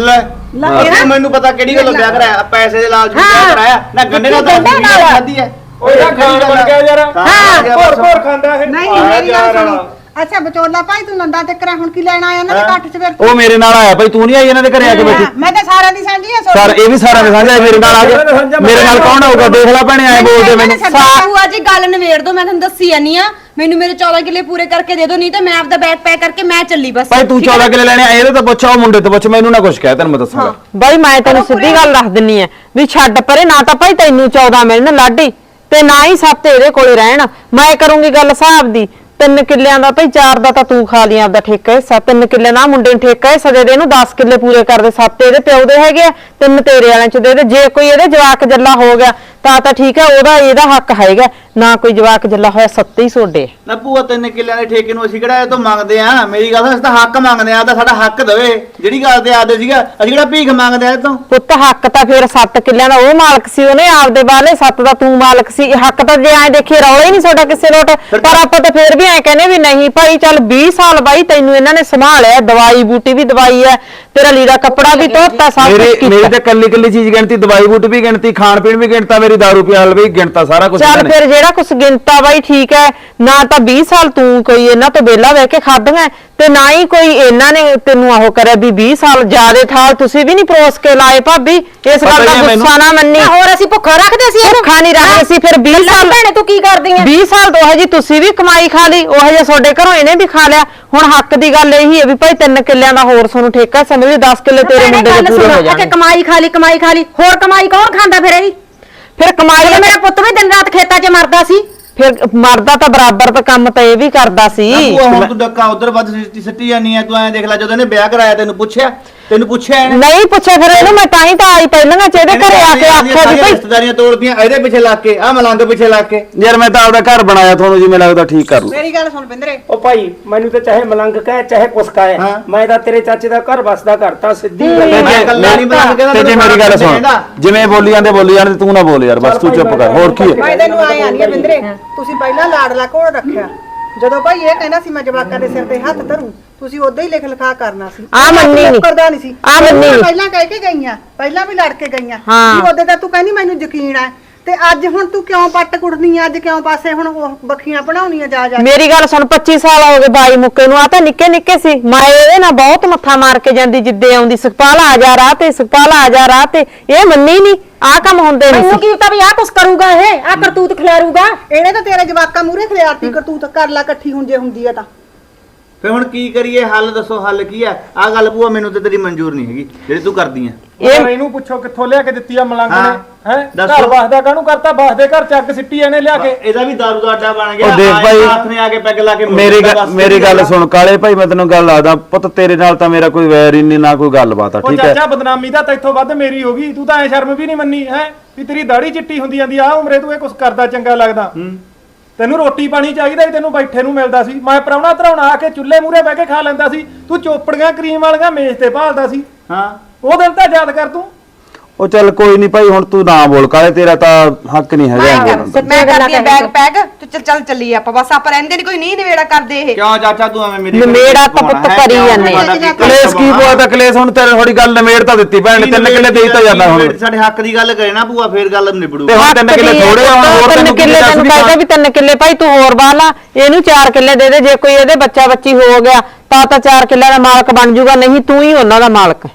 Speaker 4: ਲੈ ਇਹ ਮੈਨੂੰ ਪਤਾ ਕਿਹੜੀ ਗੱਲੋਂ ਵਿਆਹ ਕਰਾਇਆ ਪੈਸੇ ਦੇ ਲਾਲਚ ਵਿੱਚ ਵਿਆਹ ਕਰਾਇਆ ਨਾ ਗੰਡੇ ਨਾਲ ਤਾਂ ਖਾਧੀ ਹੈ
Speaker 5: ਉਹ ਇਹਦਾ ਖਾਣ ਬਣ ਗਿਆ ਯਾਰ ਹਾਂ ਹੋਰ ਹੋਰ ਖਾਂਦਾ ਇਹ
Speaker 3: ਨਹੀਂ ਮੇਰੀ ਗੱਲ ਸੁਣੋ ਅੱਛਾ ਵਿਚੋਲਾ ਭਾਈ ਤੂੰ ਨੰਦਾ ਤੇ ਕਰਾ ਹੁਣ ਕੀ ਲੈਣ ਆਇਆ ਇਹਨਾਂ ਦੇ ਇਕੱਠ 'ਚ ਫਿਰ
Speaker 7: ਉਹ ਮੇਰੇ ਨਾਲ ਆਇਆ ਭਾਈ ਤੂੰ ਨਹੀਂ ਆਈ ਇਹਨਾਂ ਦੇ ਘਰੇ ਆ ਕੇ ਬੈਠੀ
Speaker 3: ਮੈਂ ਤਾਂ ਸਾਰਿਆਂ ਦੀ ਸਾਂਝੀ ਆ
Speaker 7: ਸਰ ਇਹ ਵੀ ਸਾਰਿਆਂ ਦੇ ਸਾਂਝਾ ਮੇਰੇ ਨਾਲ ਆ ਗਿਆ ਮੇਰੇ ਨਾਲ ਕੌਣ ਆਊਗਾ ਦੇਖ ਲੈ ਭੈਣੇ ਐ ਬੋਲਦੇ ਮੈਨੂੰ
Speaker 3: ਭੂਆ ਜੀ ਗੱਲ ਨਵੇੜ ਦੋ ਮੈਂ ਤੁਹਾਨੂੰ ਦੱਸੀ ਜਾਨੀ ਆ ਮੈਨੂੰ ਮੇਰੇ ਚੌਦਾਂ ਕਿੱਲੇ ਪੂਰੇ ਕਰਕੇ ਦੇ ਦਿਓ ਨਹੀਂ ਤਾਂ ਮੈਂ ਆਪਦਾ ਬੈਗ ਪੈਕ ਕਰਕੇ ਮੈਂ ਚੱਲੀ ਬਸ
Speaker 7: ਭਾਈ ਤੂੰ ਚੌਦਾਂ ਕਿੱਲੇ ਲੈਣੇ ਇਹਦੇ ਤਾਂ ਪੁੱਛ ਉਹ ਮੁੰਡੇ ਤੋਂ ਪੁੱਛ ਮੈਨੂੰ ਨਾ ਕੁਝ ਕਹਿ ਤੈਨੂੰ ਮੈਂ ਦੱਸਾਂਗਾ
Speaker 1: ਬਾਈ ਮੈਂ ਤੈਨੂੰ ਸਿੱਧੀ ਗੱਲ ਦੱਸ ਦਿੰਨੀ ਆ ਵੀ ਛੱਡ ਪਰੇ ਨਾ ਤਾਂ ਭਾਈ ਤੈਨੂੰ ਚੌਦਾਂ ਮਿਲਣ ਲਾਡੀ ਤੇ ਨਾ ਹੀ ਸੱਤ ਇਹਦੇ ਕੋਲੇ ਰਹਿਣ ਮੈਂ ਕਰੂੰਗੀ ਗੱਲ ਹਿਸਾਬ ਦੀ ਤਿੰਨ ਕਿੱਲਿਆਂ ਦਾ ਭਾਈ ਚਾਰ ਦਾ ਤਾਂ ਤੂੰ ਖਾ ਲਈ ਆਪਦਾ ਠੇਕਾ ਹਿੱਸਾ ਤਿੰਨ ਕਿੱਲੇ ਨਾ ਮੁੰਡੇ ਨੂੰ ਠੇਕਾ ਹਿੱਸਾ ਦੇ ਦੇ ਇਹਨੂੰ ਦਸ ਕਿੱਲੇ ਪੂਰੇ ਕਰ ਦੇ ਸੱਤ ਇਹਦੇ ਪਿਓ ਦੇ ਹੈਗੇ ਆ ਤਿੰਨ ਤੇਰੇ ਵਾਲਿਆਂ ਚ ਦੇ ਦੇ ਜੇ ਕੋਈ ਇਹਦੇ ਜਵਾਕ ਜੱਲਾ ਹੋ ਗਿਆ ਤਾਂ ਤਾਂ ਠੀਕ ਹੈ, ਉਹਦਾ ਇਹਦਾ ਹੱਕ ਹੈਗਾ ਨਾ, ਕੋਈ ਜਵਾਕ ਜੱਲਾ ਹੋਇਆ ਸੱਤੇ ਹੀ ਸੋਡੇ।
Speaker 4: ਨਾ ਭੂਆ ਤਿੰਨ ਕਿੱਲਿਆਂ ਦੇ ਠੇਕੇ ਨੂੰ ਅਸੀਂ ਕਿਹੜਾ ਇਹ ਤੋਂ ਮੰਗਦੇ ਆ? ਮੇਰੀ ਗੱਲ ਸੁਣ, ਅਸੀਂ ਤਾਂ ਹੱਕ ਮੰਗਦੇ ਆ, ਤਾਂ ਸਾਡਾ ਹੱਕ ਦੇਵੇ। ਜਿਹੜੀ ਗੱਲ ਤੇ ਆਦੇ ਸੀਗਾ, ਅਸੀਂ ਕਿਹੜਾ ਭੀਖ ਮੰਗਦੇ ਆ ਇਹ ਤੋਂ?
Speaker 1: ਪੁੱਤ ਹੱਕ ਤਾਂ ਫਿਰ ਸੱਤ ਕਿੱਲਿਆਂ ਦਾ ਉਹ ਮਾਲਕ ਸੀ, ਉਹਨੇ ਆਪਦੇ ਬਾਲੇ ਸੱਤ ਦਾ ਤੂੰ ਮਾਲਕ ਸੀ। ਹੱਕ ਤਾਂ ਜੇ ਐ ਦੇਖੀ ਰੌਲਾ ਹੀ ਨਹੀਂ ਤੁਹਾਡਾ ਕਿਸੇ ਲੋਟ, ਪਰ ਆਪਾਂ ਤਾਂ ਫਿਰ ਵੀ ਐ ਕਹਿੰਦੇ ਵੀ ਨਹੀਂ ਭਾਈ ਚੱਲ ਵੀਹ ਸਾਲ ਬਾਈ ਤੈਨੂੰ ਇਹਨਾਂ ਨੇ ਸੰਭਾਲਿਆ, ਦਵਾਈ ਬੂਟੀ ਵੀ ਦਵਾਈ ਐ, ਤੇਰਾ ਲੀੜਾ ਕੱਪੜਾ ਵੀ ਧੋਤਾ, ਸਭ
Speaker 7: ਮੇਰੀ
Speaker 1: ਕੁਝ
Speaker 7: ਮੇਰੀ
Speaker 1: ਕੀਤਾ।
Speaker 7: ਤਾਂ ਕੱਲੀ ਕੱਲੀ ਚੀਜ਼ ਗਿਣਤੀ, ਦਵਾਈ ਬੂਟ ਵੀ ਗਿਣਤੀ, ਖਾਣ ਪੀਣ ਵੀ ਗਿਣਤਾ, ਮੇਰੀ ਦਾਰੂ ਪਿਆਲ ਵੀ ਗਿਣਤਾ, ਸਾਰਾ ਕੁਝ
Speaker 1: ਚੱਲ ਫਿਰ ਜਿਹੜਾ ਕੁਛ ਗਿਣਤਾ ਬਾਈ ਠੀਕ ਹੈ, ਨਾ ਤਾਂ ਵੀਹ ਸਾਲ ਤੂੰ ਕੋਈ ਇਹਨਾਂ ਤੋਂ ਵਿਹਲਾ ਬਹਿ ਕੇ ਖਾਧੀਆਂ ਤੇ ਨਾ ਹੀ ਕੋਈ ਇਹਨਾਂ ਨੇ ਤੈਨੂੰ ਆਹੋ ਕਰਿਆ ਵੀ ਵੀਹ ਸਾਲ ਜਿਆਦੇ ਥਾਲ ਤੁਸੀਂ ਵੀ ਨਹੀਂ ਪਰੋਸ ਕੇ ਲਾਏ ਭਾਬੀ। ਇਸ ਗੱਲ ਦਾ ਗੁੱਸਾ ਨਾ ਮੰਨੀ।
Speaker 2: ਹੋਰ ਅਸੀਂ ਭੁੱਖਾ ਰੱਖਦੇ ਸੀ ਇਹਨੂੰ?
Speaker 1: ਭੁੱਖਾ ਨਹੀਂ ਰੱਖਦੇ ਸੀ। ਫਿਰ ਵੀਹ ਸਾਲ
Speaker 2: ਭੈਣੇ ਤੂੰ ਕੀ ਕਰਦੀ ਐ?
Speaker 1: ਵੀਹ ਸਾਲ ਤੋਂ ਜੀ ਤੁਸੀਂ ਵੀ ਕਮਾਈ ਖਾ ਲਈ, ਉਹ ਜੇ ਤੁਹਾਡੇ ਘਰੋਂ ਇਹਨੇ ਵੀ ਖਾ ਲਿਆ। ਹੁਣ ਹੱਕ ਦੀ ਗੱਲ ਇਹੀ ਹੈ ਵੀ ਭਾਈ ਤਿੰਨ ਕਿੱਲਿਆਂ ਦਾ ਹੋਰ ਤੁਹਾਨੂੰ ਠੇਕਾ ਸਮਝ ਵੀ ਦਸ ਕਿੱਲੇ ਤੇਰੇ ਮੁੰਡੇ ਦੇ ਪੂਰੇ ਹੋ ਜਾਣਗੇ।
Speaker 2: ਕਮਾਈ ਖਾ ਲਈ ਕਮਾਈ ਖਾ ਲਈ, ਹੋਰ ਕਮਾਈ ਕੌਣ ਖਾਂਦਾ ਫਿਰ ਇਹਦੀ?
Speaker 1: ਫਿਰ ਕਮਾਈ
Speaker 2: ਮੇਰਾ ਪੁੱਤ ਵੀ ਦਿਨ ਰਾਤ ਖੇਤਾਂ 'ਚ ਮਰਦਾ ਸੀ।
Speaker 1: ਫਿਰ ਮਰਦਾ ਤਾਂ ਬਰਾਬਰ ਤਾਂ ਕੰਮ ਤਾਂ ਇਹ ਵੀ ਕਰਦਾ ਸੀ।
Speaker 4: ਭੂਆ ਹੁਣ ਤੂੰ ਡੱਕਾ ਉਧਰ ਵੱਧ ਸਿੱਟੀ ਸਿੱਟੀ ਜਾਨੀ ਆ। ਤੂੰ ਐਂ ਦੇਖ ਲੈ, ਜਦੋਂ ਇਹਨੇ ਵਿਆਹ ਕਰਾਇਆ ਤੈਨੂੰ ਪੁੱਛਿਆ ਤੈਨੂੰ ਪੁੱਛਿਆ ਇਹਨੇ?
Speaker 1: ਨਹੀਂ ਪੁੱਛਿਆ ਫਿਰ ਇਹਨੂੰ, ਮੈਂ ਤਾਂ ਹੀ ਤਾਂ ਆਈ ਪਹਿਲਾਂ ਚ ਇਹਦੇ ਘਰੇ ਆ ਕੇ ਆਖਿਆ ਵੀ ਭਾਈ
Speaker 4: ਰਿਸ਼ਤੇਦਾਰੀਆਂ ਤੋੜਦੀਆਂ ਇਹਦੇ ਪਿੱਛੇ ਲੱਗ ਕੇ, ਆ ਮਲੰਗ ਪਿੱਛੇ ਲੱਗ ਕੇ।
Speaker 7: ਯਾਰ ਮੈਂ ਤਾਂ ਆਪਦਾ ਘਰ ਬਣਾਇਆ, ਤੁਹਾਨੂੰ ਜਿਵੇਂ ਲੱਗਦਾ ਠੀਕ ਕਰ ਲਓ।
Speaker 3: ਮੇਰੀ ਗੱਲ ਸੁਣ ਬਿੰਦਰੇ,
Speaker 9: ਉਹ ਭਾਈ ਮੈਨੂੰ ਤਾਂ ਚਾਹੇ ਮਲੰਗ ਕਹੇ ਚਾਹੇ ਕੁਛ ਕਹੇ,
Speaker 4: ਹਾਂ।
Speaker 9: ਮੈਂ ਤਾਂ ਤੇਰੇ ਚਾਚੇ ਦਾ ਘਰ ਵਸਦਾ ਕਰਤਾ ਸਿੱਧੀ ਗੱਲ
Speaker 4: ਮੈਂ
Speaker 9: ਹੈ।
Speaker 4: ਇਕੱਲਾ ਨਹੀਂ ਮਲੰਗ ਕਹਿੰਦਾ,
Speaker 7: ਤੇ ਜੇ ਮੇਰੀ ਗੱਲ ਸੁਣ, ਜਿਵੇਂ ਬੋਲੀ ਜਾਂਦੇ ਬੋਲੀ ਜਾਂਦੇ, ਤੂੰ ਨਾ ਬੋਲ ਯਾਰ, ਬਸ ਤੂੰ ਚੁੱਪ ਕਰ। ਹੋਰ ਕੀ ਹੈ?
Speaker 3: ਮੈਂ ਤੈਨੂੰ ਆਏ ਆਣੀ ਆ ਬਿੰਦਰੇ, ਤੁਸੀਂ ਪਹਿਲਾਂ ਲਾਡਲਾ ਕੋਲ ਰੱਖਿਆ, ਜਦੋਂ ਭਾਈ ਇਹ ਕਹਿੰਦਾ ਸੀ ਮੈਂ ਜਵਾਕਾਂ ਦੇ ਸਿਰ ਤੇ ਹੱਥ ਧਰੂ, ਤੁਸੀਂ ਉਦਾਂ ਹੀ ਲਿਖ ਲਿਖਾ ਕਰਨਾ ਸੀ।
Speaker 1: ਆ ਮੰਨੀ ਨੀ।
Speaker 3: ਕਰਦਾ ਨਹੀਂ ਸੀ।
Speaker 1: ਆ ਮੰਨੀ ਨੀ।
Speaker 3: ਪਹਿਲਾਂ ਕਹਿ ਕੇ ਗਈਆਂ, ਪਹਿਲਾਂ ਵੀ ਲੜ ਕੇ ਗਈਆਂ
Speaker 1: ਹਾਂ।
Speaker 3: ਵੀ ਉਹਦੇ ਤਾਂ ਤੂੰ ਕਹਿੰਦੀ ਮੈਨੂੰ ਯਕੀਨ ਹੈ, ਤੇ ਅੱਜ ਹੁਣ ਤੂੰ ਕਿਉਂ ਪੱਟ ਕੁੱਟਨੀ ਆ? ਅੱਜ ਕਿਉਂ ਪਾਸੇ ਹੁਣ ਉਹ ਬੱਖੀਆਂ ਬਣਾਉਣੀਆਂ ਜਾ ਜਾ?
Speaker 1: ਮੇਰੀ ਗੱਲ ਸੁਣ, ਪੱਚੀ ਸਾਲ ਹੋ ਗਏ ਬਾਈ ਮੁੱਕੇ ਨੂੰ, ਆ ਤਾਂ ਨਿੱਕੇ ਨਿੱਕੇ ਸੀ। ਮੈਂ ਇਹਦੇ ਨਾਲ ਬਹੁਤ ਮੱਥਾ ਮਾਰ ਕੇ ਜਾਂਦੀ, ਜਿੱਦੇ ਆਉਂਦੀ ਸੁਖਪਾਲ ਆ ਜਾ ਰਾਹ ਤੇ, ਸੁਖਪਾਲ ਆ ਜਾ ਰਾਹ ਤੇ, ਇਹ ਮੰਨੀ ਨਹੀਂ। ਆ ਕੰਮ ਹੁੰਦੇ ਨਹੀਂ
Speaker 2: ਮੈਨੂੰ ਕੀ ਪਤਾ ਵੀ ਆਹ ਕੁਛ ਕਰੂਗਾ ਇਹ, ਆਹ ਕਰਤੂਤ ਖਿਲਾਰੂਗਾ।
Speaker 3: ਇਹਨੇ ਤਾਂ ਤੇਰੇ ਜਵਾਕਾਂ ਮੂਹਰੇ ਖਿਆਰਤੀ ਕਰਤੂਤ ਕਰ ਲਾ ਇਕੱਠੀ ਹੁਣ ਜੇ ਹੁੰਦੀ ਆ ਤਾਂ।
Speaker 4: ਫਿਰ ਹੁਣ ਕੀ ਕਰੀਏ? ਹੱਲ ਦੱਸੋ, ਹੱਲ ਕੀ ਆ? ਆ ਗੱਲ ਭੂਆ ਮੈਨੂੰ ਤੇ ਤੇਰੀ ਮਨਜ਼ੂਰ ਨਹੀਂ ਹੈਗੀ ਜਿਹੜੀ ਤੂੰ ਕਰਦੀ ਆ।
Speaker 5: ਇਹ ਇਹਨੂੰ ਪੁੱਛੋ ਕਿੱਥੋਂ ਲਿਆ ਕੇ ਦਿੱਤੀ ਆ ਮਲੰਗ ਨੇ?
Speaker 4: ਹਾਂ।
Speaker 5: ਹੈ
Speaker 4: ਦੱਸੋ।
Speaker 5: ਘਰ ਵਸਦਾ ਕਾਹਨੂੰ ਕਰਤਾ? ਵਸਦੇ ਘਰ ਚੱਕ ਸਿੱਟੀ ਇਹਨੇ ਲਿਆ ਕੇ।
Speaker 4: ਇਹਦਾ ਵੀ ਦਾਰੂ ਦਾ ਅੱਡਾ ਬਣ ਗਿਆ।
Speaker 7: ਉਹ ਦੇਖ
Speaker 4: ਆਏ
Speaker 7: ਭਾਈ,
Speaker 4: ਹੱਥ ਨੇ ਆ ਕੇ ਪੈਗ ਲਾ ਕੇ ਮੁੜ
Speaker 7: ਮੇਰੀ
Speaker 4: ਦਿੱਤਾ,
Speaker 7: ਗੱਲ
Speaker 4: ਬਸ
Speaker 7: ਮੇਰੀ ਗੱਲ
Speaker 4: ਗੱਲ
Speaker 7: ਸੁਣ ਕਾਲੇ ਭਾਈ, ਮੈਂ ਤੈਨੂੰ ਗੱਲ ਆਦਾ ਪੁੱਤ, ਤੇਰੇ ਨਾਲ ਤਾਂ ਮੇਰਾ ਕੋਈ ਵੈਰ ਹੀ ਨਹੀਂ, ਨਾ ਕੋਈ ਗੱਲਬਾਤ ਆ,
Speaker 5: ਉਹ
Speaker 7: ਠੀਕ ਹੈ?
Speaker 5: ਚਾਚਾ ਬਦਨਾਮੀ ਤਾਂ ਤੈਥੋਂ ਵੱਧ ਮੇਰੀ ਹੋ ਗਈ। ਤੂੰ ਤਾਂ ਐ ਸ਼ਰਮ ਵੀ ਨਹੀਂ ਮੰਨੀ ਹੈ ਵੀ ਤੇਰੀ ਦਾੜੀ ਚਿੱਟੀ ਹੁੰਦੀ ਜਾਂਦੀ ਆ ਉਮਰੇ ਤੂੰ ਇਹ ਕੁਛ ਕਰਦਾ ਚੰਗਾ ਲੱਗਦਾ? ਤੈਨੂੰ ਰੋਟੀ ਪਾਣੀ ਚਾਹੀਦਾ ਸੀ, ਤੈਨੂੰ ਬੈਠੇ ਨੂੰ ਮਿਲਦਾ ਸੀ। ਮੈਂ ਪ੍ਰਾਹੁਣਾ ਧਰਾਉਣਾ ਆ ਕੇ ਚੁੱਲ੍ਹੇ ਮੂਹਰੇ ਬਹਿ ਕੇ ਖਾ ਲੈਂਦਾ ਸੀ, ਤੂੰ ਚੋਪੜੀਆਂ ਕਰੀਮ ਵਾਲੀਆਂ ਮੇਜ਼ ਤੇ ਭਾਲਦਾ ਸੀ।
Speaker 4: ਹਾਂ,
Speaker 5: ਉਹ ਦਿਨ ਤਾਂ ਯਾਦ ਕਰ ਤੂੰ।
Speaker 7: ਉਹ ਚੱਲ ਕੋਈ ਨਹੀਂ ਭਾਈ, ਹੁਣ ਤੂੰ ਨਾ ਬੋਲ ਕਾਲੇ, ਤੇਰਾ ਤਾਂ ਹੱਕ ਨਹੀਂ ਹੈਗਾ ਇਹ ਬੋਲਣ ਦਾ।
Speaker 10: ਮੈਂ ਕਰਦੀ ਆ ਬੈਗ ਪੈਗ ਤੇ ਚੱਲ ਚੱਲ ਚੱਲੀਏ ਆਪਾਂ, ਬਸ ਆਪਾਂ ਰਹਿੰਦੇ ਨਹੀਂ, ਕੋਈ ਨਹੀਂ ਨਿਵੇੜਾ ਕਰਦੇ ਇਹ।
Speaker 4: ਕਿਉਂ ਚਾਚਾ ਤੂੰ ਐਵੇਂ ਮੇਰੀ
Speaker 1: ਨਿਬੇੜਾ ਤਾਂ ਪੁੱਤ ਕਰੀ ਜਾਂਦੇ ਆ।
Speaker 7: ਕਲੇਸ਼ ਕੀ ਪੋਆ ਤਾਂ ਕਲੇਸ਼ ਹੁਣ ਤੇਰੇ ਥੋੜੀ ਗੱਲ ਨਮੇੜ ਤਾਂ ਦਿੱਤੀ ਭੈਣ ਨੇ, ਤਿੰਨ ਕਿੱਲੇ ਦੇ ਹੀ ਤਾਂ ਜਾਂਦਾ ਹੁਣ।
Speaker 4: ਸਾਡੇ ਹੱਕ ਦੀ ਗੱਲ ਕਰੇ ਨਾ ਭੂਆ, ਫੇਰ ਗੱਲ ਨਿਬੜੂ।
Speaker 7: ਤੇ ਹੁਣ ਤਿੰਨ ਕਿੱਲੇ ਥੋੜੇ ਹੁਣ ਹੋਰ
Speaker 1: ਤਿੰਨ
Speaker 7: ਤੈਨੂੰ
Speaker 1: ਕਿੱਲੇ ਤੈਨੂੰ ਕਹਿੰਦਾ ਵੀ ਤਿੰਨ ਕਿੱਲੇ ਭਾਈ ਤੂੰ ਹੋਰ ਬਾਹ ਲਾ, ਇਹਨੂੰ ਚਾਰ ਕਿੱਲੇ ਦੇ ਦੇ। ਜੇ ਕੋਈ ਇਹਦੇ ਬੱਚਾ ਬੱਚੀ ਹੋ ਗਿਆ ਤਾਂ ਤਾਂ ਚਾਰ ਕਿੱਲੇ ਦਾ ਮਾਲਕ ਬਣ ਜਾਊਗਾ, ਨਹੀਂ ਤੂੰ ਹੀ ਉਹਨਾਂ ਦਾ ਮਾਲਕ ਹੈ।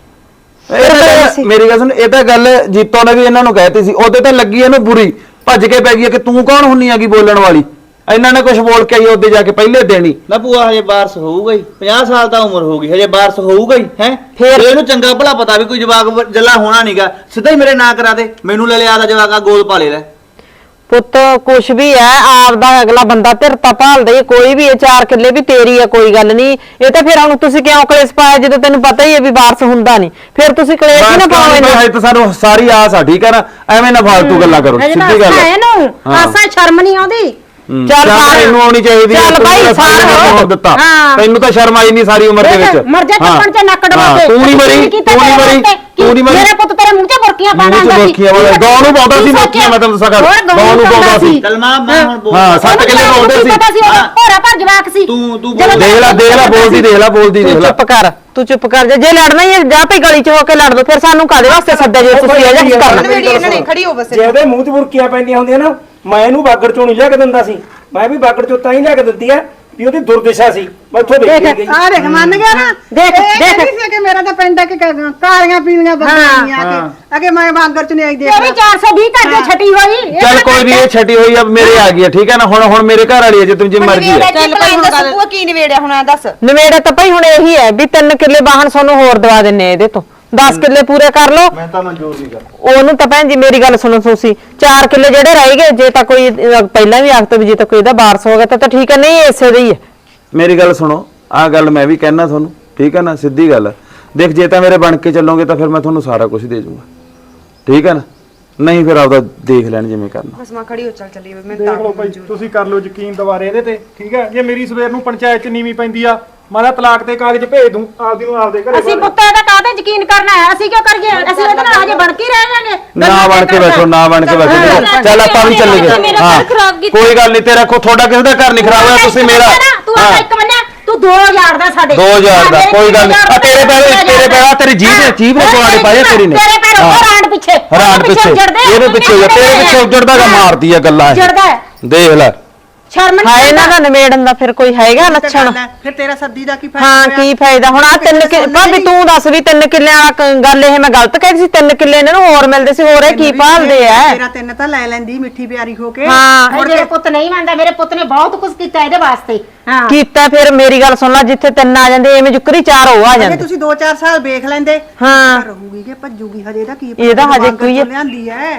Speaker 7: ਮੇਰੀ ਗੱਲ ਸੁਣ, ਇਹ ਤਾਂ ਗੱਲ ਜੀਤੋ ਨੇ ਵੀ ਇਹਨਾਂ ਨੂੰ ਕਹਿਤੀ ਸੀ, ਉਹਦੇ ਤੇ ਲੱਗੀ ਇਹਨੂੰ ਬੁਰੀ, ਭੱਜ ਕੇ ਪੈ ਗਈ ਕਿ ਤੂੰ ਕੌਣ ਹੁੰਨੀ ਆਗੀ ਬੋਲਣ ਵਾਲੀ? ਇਹਨਾਂ ਨੇ ਕੁਝ ਬੋਲ ਕੇ ਆਈ ਉਹਦੇ ਜਾ ਕੇ ਪਹਿਲੇ ਦੇਣੀ
Speaker 4: ਨਾ ਭੂਆ ਹਜੇ ਬਾਰਸ ਹੋਊਗਾ ਹੀ, ਪੰਜਾਹ ਸਾਲ ਤਾਂ ਉਮਰ ਹੋ ਗਈ, ਹਜੇ ਬਾਰਸ ਹੋਊਗਾ ਹੀ ਹੈ।
Speaker 1: ਫੇਰ
Speaker 4: ਇਹਨੂੰ ਚੰਗਾ ਭਲਾ ਪਤਾ ਵੀ ਕੋਈ ਜਵਾਕ ਜੱਲਾ ਹੋਣਾ ਨਹੀਂਗਾ, ਸਿੱਧਾ ਹੀ ਮੇਰੇ ਨਾਂ ਕਰਾ ਦੇ, ਮੈਨੂੰ ਲੈ ਲਿਆ ਦਾ ਜਵਾਕ ਆ ਗੋਦ ਪਾਲੇ ਲੈ।
Speaker 1: ਪੁੱਤ ਕੁਛ ਵੀ ਹੈ ਆਪਦਾ ਅਗਲਾ ਬੰਦਾ ਧਿਰਤਾ ਭਾਲਦਾ ਹੀ, ਕੋਈ ਵੀ ਇਹ ਚਾਰ ਕਿੱਲੇ ਵੀ ਤੇਰੀ ਆ, ਕੋਈ ਗੱਲ ਨਹੀਂ। ਇਹ ਤਾਂ ਫਿਰ ਹੁਣ ਤੁਸੀਂ ਕਿਉਂ ਕਲੇਸ਼ ਪਾਇਆ ਜਦੋਂ ਤੈਨੂੰ ਪਤਾ ਹੀ ਹੈ ਵੀ ਵਾਰਸ ਹੁੰਦਾ ਨਹੀਂ? ਫਿਰ ਤੁਸੀਂ ਕਲੇਸ਼ ਹੀ ਨਾ ਪਾਓ ਇਹਨਾਂ।
Speaker 7: ਹਜੇ ਤਾਂ ਸਾਨੂੰ ਸਾਰੀ ਆਸ ਆ, ਠੀਕ ਹੈ ਨਾ? ਐਵੇਂ ਨਾ ਫਾਲਤੂ ਗੱਲਾਂ ਕਰੋ, ਸਿੱਧੀ ਗੱਲ ਹੈ।
Speaker 2: ਇਹਨੂੰ ਆਸਾਂ ਸ਼ਰਮ ਨਹੀਂ ਆਉਂਦੀ।
Speaker 1: ਚੱਲ
Speaker 7: ਇਹਨੂੰ ਆਉਣੀ ਚਾਹੀਦੀ ਹੈ,
Speaker 1: ਚੱਲ ਬਾਈ ਸਾਰ
Speaker 7: ਦਿੱਤਾ ਤੈਨੂੰ ਤਾਂ ਸ਼ਰਮ ਆਈ ਨਹੀਂ ਸਾਰੀ ਉਮਰ ਦੇ ਵਿੱਚ।
Speaker 2: ਮਰ ਜਾ ਚੱਪਣ ਚ ਨੱਕ ਡਵਾ ਕੇ।
Speaker 7: ਤੂੰ ਨਹੀਂ ਮਰੀ, ਤੂੰ ਨਹੀਂ ਮਰੀ, ਤੂੰ ਨਹੀਂ ਮਰੀ।
Speaker 2: ਮੇਰੇ ਪੁੱਤ ਤੇਰੇ ਮੂੰਹ 'ਚ ਬੁਰਕੀਆਂ ਪਾਉਂਦਾ ਸੀ।
Speaker 7: ਬੁਰਕੀਆਂ ਵਾਲਾ ਗਾਉਂ ਨੂੰ ਪਾਉਂਦਾ ਸੀ, ਬੁਰਕੀਆਂ ਮੈਂ ਤੈਨੂੰ ਦੱਸਾਂ ਗੱਲ, ਗਾਉਂ ਨੂੰ ਪਾਉਂਦਾ ਸੀ।
Speaker 4: ਚੱਲ ਮਾਂ ਮੈਂ ਹੁਣ ਬੋਲ।
Speaker 7: ਹਾਂ ਸੱਤ ਕਿੱਲੇ ਪਾਉਂਦੇ ਸੀ।
Speaker 2: ਪਤਾ ਸੀ ਉਹ ਭੋਰਾ ਭਰ ਜਵਾਕ ਸੀ।
Speaker 4: ਤੂੰ ਤੂੰ
Speaker 7: ਦੇਖ ਲੈ ਦੇਖ ਲੈ ਬੋਲਦੀ, ਦੇਖ ਲੈ ਬੋਲਦੀ, ਦੇਖ
Speaker 1: ਤੂੰ
Speaker 7: ਲੈ।
Speaker 1: ਚੁੱਪ ਕਰ, ਤੂੰ ਚੁੱਪ ਕਰ ਜਾ। ਜੇ ਲੜਨਾ ਹੀ ਹੈ ਜਾ ਭਈ ਗਲੀ 'ਚ ਹੋ ਕੇ ਲੜ ਦੋ, ਫਿਰ ਸਾਨੂੰ ਕਾਹਦੇ ਵਾਸਤੇ ਸੱਦਿਆ ਜੇ ਤੁਸੀਂ ਇਹ ਜਿਹਾ ਕਰਨਾ?
Speaker 10: ਨਵੇੜੀ ਇਹਨਾਂ ਨੇ ਖੜੀ ਹੋ ਬਸ।
Speaker 9: ਜੇ ਉਹਦੇ ਮੂੰਹ 'ਚ ਬੁਰਕੀਆਂ ਪੈਂਦੀਆਂ ਹੁੰਦੀਆਂ ਨਾ, ਮੈਂ ਇਹਨੂੰ ਬਾਗੜ ਚੋਂ ਨਹੀਂ ਲਿਆ ਕੇ ਦਿੰਦਾ ਸੀ। ਮੈਂ ਵੀ ਬਾਗੜ ਚੋਂ ਤਾਂ ਹੀ ਲਿਆ ਕੇ ਦਿੰਦੀ ਆ ਵੀ ਉਹਦੀ ਦੁਰਦਸ਼ਾ ਸੀ, ਮੈਂ ਇੱਥੋਂ ਦੇਖ ਕੇ ਗਈ।
Speaker 3: ਆ ਦੇਖ ਮੰਨ ਗਿਆ ਨਾ।
Speaker 2: ਦੇਖ ਦੇਖ
Speaker 3: ਨਹੀਂ ਸੀ ਕਿ ਮੇਰਾ ਤਾਂ ਪਿੰਡ ਆ ਕਿ ਕਾਲੀਆਂ ਪੀਲੀਆਂ ਬੰਦੀਆਂ ਆ ਕੇ ਅਗੇ ਮੈਂ ਬਾਂਗਰ ਚ ਨਹੀਂ ਆਈ ਦੇਖ।
Speaker 2: ਇਹ ਵੀ ਚਾਰ ਸੌ ਵੀਹ ਕਰਦੇ ਛਟੀ ਹੋਈ।
Speaker 7: ਚੱਲ ਕੋਈ ਨਹੀਂ, ਇਹ ਛੱਡੀ ਹੋਈ ਆ, ਮੇਰੇ ਆ ਗਈ ਆ, ਠੀਕ ਹੈ ਨਾ? ਹੁਣ ਹੁਣ ਮੇਰੇ ਘਰ ਵਾਲੀ ਹੈ, ਜੇ ਤੂੰ ਜਿੰਮ ਮਰਜ਼ੀ ਹੈ।
Speaker 10: ਚੱਲ ਭਾਈ ਦੱਸ ਭੂਆ ਕੀ ਨਿਵੇੜਿਆ ਹੁਣ, ਆ ਦੱਸ।
Speaker 1: ਨਵੇੜਾ ਤਾਂ ਭਾਈ ਹੁਣ ਇਹੀ ਹੈ ਵੀ ਤਿੰਨ ਕਿੱਲੇ ਵਾਹਣ ਸਾਨੂੰ ਹੋਰ ਦਵਾ ਦਿੰਨੇ ਇਹਦੇ ਤੋਂ, ਦਸ ਕਿੱਲੇ ਪੂਰੇ ਕਰ ਲਓ।
Speaker 4: ਮੈਂ ਤਾਂ ਮਨਜ਼ੂਰ ਨਹੀਂ ਕਰ।
Speaker 1: ਉਹਨੂੰ ਤਾਂ ਭੈਣ ਜੀ ਮੇਰੀ ਗੱਲ ਸੁਣੋ ਤੁਸੀਂ, ਚਾਰ ਕਿੱਲੇ ਜਿਹੜੇ ਰਹਿ ਗਏ, ਜੇ ਤਾਂ ਕੋਈ ਅਹ, ਪਹਿਲਾਂ ਵੀ ਆਖਤ ਵੀ ਜੇ ਤਾਂ ਕੋਈ ਇਹਦਾ ਵਾਰਸ ਹੋ ਗਿਆ ਤਾਂ ਤਾਂ ਠੀਕ ਹੈ, ਨਹੀਂ ਇਸੇ ਦੇ ਹੀ ਹੈ।
Speaker 7: ਮੇਰੀ ਗੱਲ ਸੁਣੋ, ਆਹ ਗੱਲ ਮੈਂ ਵੀ ਕਹਿਣਾ ਤੁਹਾਨੂੰ, ਠੀਕ ਹੈ ਨਾ? ਸਿੱਧੀ ਗੱਲ ਦੇਖ, ਜੇ ਤਾਂ ਮੇਰੇ ਬਣ ਕੇ ਚੱਲੋਗੇ ਤਾਂ ਫਿਰ ਮੈਂ ਤੁਹਾਨੂੰ ਸਾਰਾ ਕੁਝ ਦੇ ਜਾਊਂਗਾ, ਠੀਕ ਹੈ ਨਾ? ਨਹੀਂ ਫਿਰ ਆਪਦਾ ਦੇਖ ਲੈਣ ਜਿਵੇਂ ਕਰਨਾ।
Speaker 10: ਬਸ ਮਾਂ ਖੜੀ ਹੋ ਚੱਲ ਚੱਲੀਏ ਮੈਂ
Speaker 5: ਦੇਖ ਲਓ ਭਾਈ ਤੁਸੀਂ ਕਰ ਲਓ ਯਕੀਨ ਦੁਬਾਰੇ ਇਹਦੇ ਤੇ ਠੀਕ ਹੈ। ਜੇ ਮੇਰੀ ਸਵੇਰ ਨੂੰ ਪੰਚਾਇਤ ਚ ਨੀਵੀਂ ਪੈਂਦੀ ਆ ਮੈਂ ਤਾਂ ਤਲਾਕ ਦੇ ਕਾਗਜ਼ ਭੇਜ ਦੂੰ ਆਪਦੀ ਨੂੰ ਆਪਦੇ ਘਰੇ।
Speaker 2: ਅਸੀਂ ਪੁੱਤ ਇਹਦਾ ਕਾਹਦੇ ਯਕੀਨ ਕਰਨਾ ਹੈ? ਅਸੀਂ ਕਿਉਂ ਕਰੀਏ? ਅਸੀਂ ਇਹਦੇ ਨਾਲ ਹਜੇ ਬਣ ਕੇ ਹੀ ਰਹਿ ਜਾਾਂਗੇ।
Speaker 7: ਨਾ ਬਣ ਕੇ ਬੈਠੋ ਨਾ ਬਣ ਕੇ ਬੈਠੋ ਚੱਲ ਆਪਾਂ ਵੀ ਚੱਲੇ ਗਏ। ਹਾਂ ਕੋਈ ਗੱਲ ਨਹੀਂ ਤੇਰਾ ਕੋ ਤੁਹਾਡਾ ਕਿਸੇ ਦਾ ਘਰ ਨਹੀਂ ਖਰਾਬ ਹੋਇਆ ਤੁਸੀਂ ਮੇਰਾ
Speaker 2: ਤੂੰ ਆ ਇੱਕ ਮੰਨਿਆ ਤੂੰ ਦੋ ਹਜ਼ਾਰ ਦਾ ਸਾਡੇ
Speaker 7: ਦੋ ਹਜ਼ਾਰ ਦਾ ਕੋਈ ਗੱਲ ਨਹੀਂ ਤੇਰੇ ਪੈਰ ਤੇਰੇ ਪੈਰ ਤੇਰੀ ਜੀਭ ਜੀਭ ਨੇ ਕੁਆੜੇ ਪਾਏ ਤੇਰੀ ਨੇ
Speaker 2: ਤੇਰੇ ਪੈਰ ਉਹ ਰਾਂਡ ਪਿੱਛੇ
Speaker 7: ਰਾਂਡ ਪਿੱਛੇ ਇਹਦੇ ਪਿੱਛੇ ਤੇਰੇ ਪਿੱਛੇ ਉੱਜੜਦਾ ਗਾ ਮਾਰਦੀ ਆ ਗੱਲਾਂ
Speaker 2: ਉੱਜੜਦਾ
Speaker 7: ਦੇਖ ਲੈ
Speaker 2: ਸ਼ਰਮ
Speaker 1: ਹਾਂ ਇਹਨਾਂ ਦਾ ਨਿਬੇੜਨ ਦਾ ਫਿਰ ਕੋਈ ਹੈਗਾ ਲੱਛਣ?
Speaker 3: ਫਿਰ ਤੇਰਾ ਸੱਦੀ ਦਾ ਕੀ ਫਾਇਦਾ?
Speaker 1: ਹਾਂ ਕੀ ਫਾਇਦਾ ਹੁਣ ਆ ਤਿੰਨ ਕਿ ਭਾਬੀ ਤੂੰ ਦੱਸ ਵੀ ਤਿੰਨ ਕਿੱਲਿਆਂ ਵਾਲਾ ਕ- ਗੱਲ ਇਹ ਮੈਂ ਗਲਤ ਕਹਿ ਸੀ? ਤਿੰਨ ਕਿੱਲੇ ਇਹਨਾਂ ਨੂੰ ਹੋਰ ਮਿਲਦੇ ਸੀ ਹੋਰ ਇਹ ਕੀ ਭਾਲਦੇ ਆ?
Speaker 3: ਤੇਰਾ ਤਿੰਨ ਤਾਂ ਲੈ ਲੈਂਦੀ ਮਿੱਠੀ ਪਿਆਰੀ ਹੋ ਕੇ।
Speaker 1: ਹਾਂ
Speaker 2: ਮੇਰੇ ਪੁੱਤ ਨਹੀਂ ਮੰਨਦਾ। ਮੇਰੇ ਪੁੱਤ ਨੇ ਬਹੁਤ ਕੁਝ ਕੀਤਾ ਇਹਦੇ ਵਾਸਤੇ। ਹਾਂ
Speaker 1: ਕੀਤਾ ਫਿਰ ਮੇਰੀ ਗੱਲ ਸੁਣ ਲੈ ਜਿੱਥੇ ਤਿੰਨ ਆ ਜਾਂਦੇ ਐਵੇਂ ਜੁਕਰੀ ਚਾਰ ਹੋ ਆ
Speaker 3: ਜੇ
Speaker 1: ਜਾਂਦੇ।
Speaker 3: ਤੁਸੀਂ ਦੋ ਚਾਰ ਸਾਲ ਵੇਖ ਲੈਂਦੇ
Speaker 1: ਹਾਂ
Speaker 3: ਰਹੂਗੀ ਕਿ ਭੱਜੂਗੀ ਹਜੇ ਦਾ ਕੀ
Speaker 1: ਇਹਦਾ ਹਜੇ ਕੋਈ ਹੈ।
Speaker 3: ਲਿਆਂਦੀ ਐ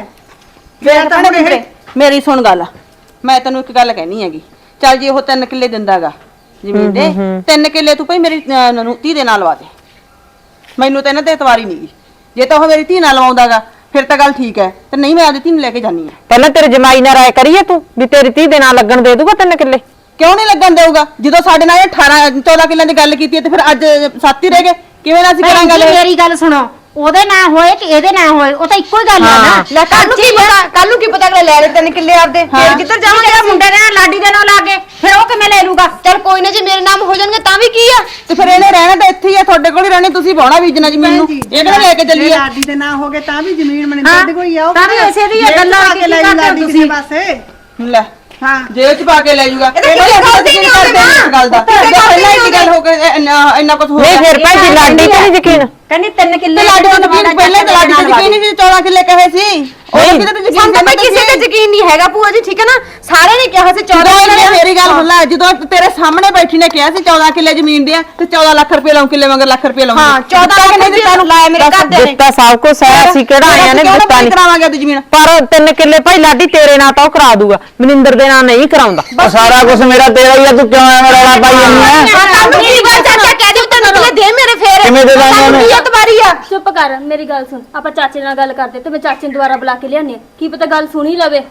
Speaker 6: ਫਿਰ ਤਾਂ ਹੁਣ ਇਹ ਮੇਰੀ ਸੁਣ ਗੱਲ ਮੈਂ ਤੈਨੂੰ ਇੱਕ ਗੱਲ ਕਹਿਣੀ ਹੈਗੀ। ਚੱਲ ਜੀ ਉਹ ਤਿੰਨ ਕਿੱਲੇ ਦਿੰਦਾਗਾ ਜ਼ਮੀਨ ਦੇ ਤਿੰਨ ਕਿੱਲੇ ਤੂੰ ਭਾਈ ਮੇਰੀ ਧੀ ਦੇ ਨਾਲ ਲਵਾ ਦੇ। ਮੈਨੂੰ ਤਾਂ ਇਹਨਾਂ ਤੇ ਇਤਵਾਰੀ ਨਹੀਂ। ਜੇ ਤਾਂ ਉਹ ਮੇਰੀ ਧੀ ਨਾਲ ਲਵਾਉਂਦਾਗਾ ਫਿਰ ਤਾਂ ਗੱਲ ਠੀਕ ਹੈ ਤੇ ਨਹੀਂ ਮੈਂ ਆਪਦੀ ਧੀ ਨੂੰ ਲੈ ਕੇ ਜਾਨੀ ਆ।
Speaker 1: ਪਹਿਲਾਂ ਤੇਰੇ ਜਮਾਈ ਨਾਲ ਰਾਏ ਕਰੀਏ ਤੂੰ ਵੀ ਤੇਰੀ ਧੀ ਦੇ ਨਾਲ ਲੱਗਣ ਦੇ ਦੂਗਾ ਤਿੰਨ ਕਿੱਲੇ?
Speaker 6: ਕਿਉਂ ਨਹੀਂ ਲੱਗਣ ਦੇਊਗਾ? ਜਦੋਂ ਸਾਡੇ ਨਾਲ ਅਠਾਰਾਂ ਚੌਦਾਂ ਕਿੱਲਿਆਂ ਦੀ ਗੱਲ ਕੀਤੀ ਹੈ ਤੇ ਫਿਰ ਅੱਜ ਸੱਤ ਹੀ ਰਹਿ ਗਏ। ਕਿਵੇਂ ਨਾ ਅਸੀਂ ਕਰਾਂਗੇ ਗੱਲ?
Speaker 2: ਮੇਰੀ ਗੱਲ ਸੁਣੋ ਉਹਦੇ ਨਾ ਹੋਏ ਕਿ ਇਹਦੇ ਨਾ ਹੋਏ ਉਹ ਤਾਂ ਇੱਕੋ ਹੀ ਗੱਲ ਆ ਨਾ।
Speaker 10: ਲੈ ਕੱਲ ਨੂੰ ਕੀ ਪਤਾ ਕੱਲ ਨੂੰ ਕੀ ਪਤਾ ਅਗਲੇ ਲੈ ਲੈ ਤਿੰਨ ਕਿੱਲੇ ਆਪਦੇ ਫਿਰ ਕਿੱਧਰ ਜਾਵਾਂਗੇ?
Speaker 2: ਜਿਹੜਾ ਮੁੰਡੇ ਦੇ ਨਾਲ ਲਾਡੀ ਦੇ ਨਾਲ ਲੱਗੇ ਫਿਰ ਉਹ ਕਿਵੇਂ ਲੈ ਲੂਗਾ?
Speaker 10: ਚੱਲ ਕੋਈ ਨਾ ਜੇ ਮੇਰੇ ਨਾਮ ਹੋ ਜਾਣਗੇ ਤਾਂ ਵੀ ਕੀ ਆ।
Speaker 6: ਤੇ ਫਿਰ ਇਹਨੇ ਰਹਿਣਾ ਤਾਂ ਇੱਥੇ ਹੀ ਆ ਤੁਹਾਡੇ ਕੋਲ ਹੀ ਰਹਿਣੀ। ਤੁਸੀਂ ਬਾਉਣਾ ਬੀਜਣਾ ਜ਼ਮੀਨ ਨੂੰ ਇਹ ਕਿਹੜਾ ਲੈ ਕੇ ਚੱਲੀਏ?
Speaker 3: ਲਾਡੀ ਦੇ ਨਾਂ ਹੋ ਗਏ ਤਾਂ ਵੀ ਜ਼ਮੀਨ ਮਨਿੰਦਰ ਦੀ ਕੋਈ ਆ ਉਹ
Speaker 2: ਤਾਂ ਵੀ ਇਸੇ ਦੀ ਇਹ ਗੱਲਾਂ
Speaker 3: ਕੇ ਲੈ ਲਾਡੀ ਕਿਸੇ ਪਾਸੇ।
Speaker 6: ਲੈ
Speaker 3: ਹਾਂ
Speaker 6: ਜੇਲ੍ਹ ਚ ਪਾ ਕੇ ਲੈ ਜਾਊਗਾ।
Speaker 10: ਇਹ ਤਾਂ ਕਿਸੇ ਗੱਲ ਦੀ ਨਹੀਂ
Speaker 6: ਕਰਦੇ ਇਸ ਗੱਲ ਦਾ ਪਹਿਲਾਂ ਹੀ ਗੱਲ ਹੋ ਕੇ ਇੰਨਾ ਕੁਝ ਹੋ
Speaker 1: ਨਹੀਂ ਫਿਰ ਭਾਈ ਜੀ ਲਾਡੀ ਤੇ ਨਹੀਂ ਯਕੀਨ?
Speaker 2: ਕਹਿੰਦੀ ਤਿੰਨ ਕਿੱਲੇ
Speaker 6: ਲਾਡੀ ਨੂੰ ਯਕੀਨ ਪਹਿਲਾਂ ਤਾਂ ਲਾਡੀ ਤੇ ਯਕੀਨ ਨਹੀਂ ਸੀ। ਚੌਦਾਂ ਕਿੱਲੇ ਕਹੇ ਸੀ ਉਹ ਕਿਤੇ ਤੇ
Speaker 10: ਸਾਨੂੰ ਤਾਂ
Speaker 6: ਯਕੀਨ
Speaker 10: ਭਾਈ ਕਿਸੇ ਤੇ ਯਕੀਨ ਨਹੀਂ ਹੈਗਾ ਭੂਆ ਜੀ ਠੀਕ ਹੈ ਨਾ। ਸਾਰੇ ਨੇ ਕਿਹਾ ਸੀ ਚੌਦਾਂ
Speaker 6: ਜਦੋਂ
Speaker 10: ਕਿੱਲੇ
Speaker 6: ਮੇਰੀ ਗੱਲ ਸੁਣ ਲੈ ਜਦੋਂ ਤੇਰੇ ਸਾਹਮਣੇ ਬੈਠੀ ਨੇ ਕਿਹਾ ਸੀ ਚੌਦਾਂ ਕਿੱਲੇ ਜ਼ਮੀਨ ਦੇ ਆ ਤੇ ਚੌਦਾਂ ਲੱਖ ਰੁਪਏ ਲਾਉਂ ਕਿੱਲੇ ਵਾਂਗਰ ਲੱਖ ਰੁਪਏ ਲਾਉਂਗੀ।
Speaker 10: ਹਾਂ ਚੌਦਾਂ ਲੱਖ ਰੁਪਏ ਤੁਹਾਨੂੰ ਲਾਇਆ ਮੇਰੇ ਘਰ ਦੇ ਨੇ।
Speaker 1: ਦਿੱਤਾ ਸਭ ਕੁਝ ਹੈ ਅਸੀਂ ਕਿਹੜਾ ਆਇਆ ਨੇ ਦਿੱਤਾ ਨਹੀਂ
Speaker 6: ਕਰਾਵਾਂਗੇ ਉਹਦੀ ਜ਼ਮੀਨ।
Speaker 1: ਪਰ ਤਿੰਨ ਕਿੱਲੇ ਭਾਈ ਲਾਡੀ ਤੇਰੇ ਨਾਂ ਤਾਂ ਉਹ ਕਰਾ ਦੂਗਾ ਮਨਿੰਦਰ ਦੇ ਨਾਂ ਨਹੀਂ ਕਰਾਉਂਦਾ।
Speaker 7: ਸਾਰਾ ਕੁਝ ਮੇਰਾ ਤੇਰਾ ਹੀ ਆ ਤੂੰ ਕਿਉਂ ਐਵੇਂ ਰੌਲਾ ਪਾਈ ਜਾਂਦੀ ਆ?
Speaker 10: ਤੁਹਾਨੂੰ ਕੀ ਗੱਲ ਚਾਚਾ ਕਹਿ ਦਿਓ ਤਿੰਨ ਕਿੱਲੇ ਦੇ ਮੇਰੇ ਫੇਰ
Speaker 7: ਕਿਵੇਂ ਦੇ ਦਾਂਗੇ ਉਹਨੇ?
Speaker 10: ਕੀ ਤਵਾਰੀ ਆ?
Speaker 11: ਚੁੱਪ ਕਰ ਮੇਰੀ ਗੱਲ ਸੁਣ। ਆਪਾਂ ਚਾਚੇ ਨਾਲ ਗੱਲ ਕਰਦੇ ਤੇ ਮੈਂ ਚਾਚੇ ਨੂੰ ਦੁਬਾਰਾ ਬੁਲਾ ਕੇ ਲਿਆਨੀ ਆ ਕੀ ਪਤਾ ਗੱਲ ਸੁਣੀ ਲਵੇ।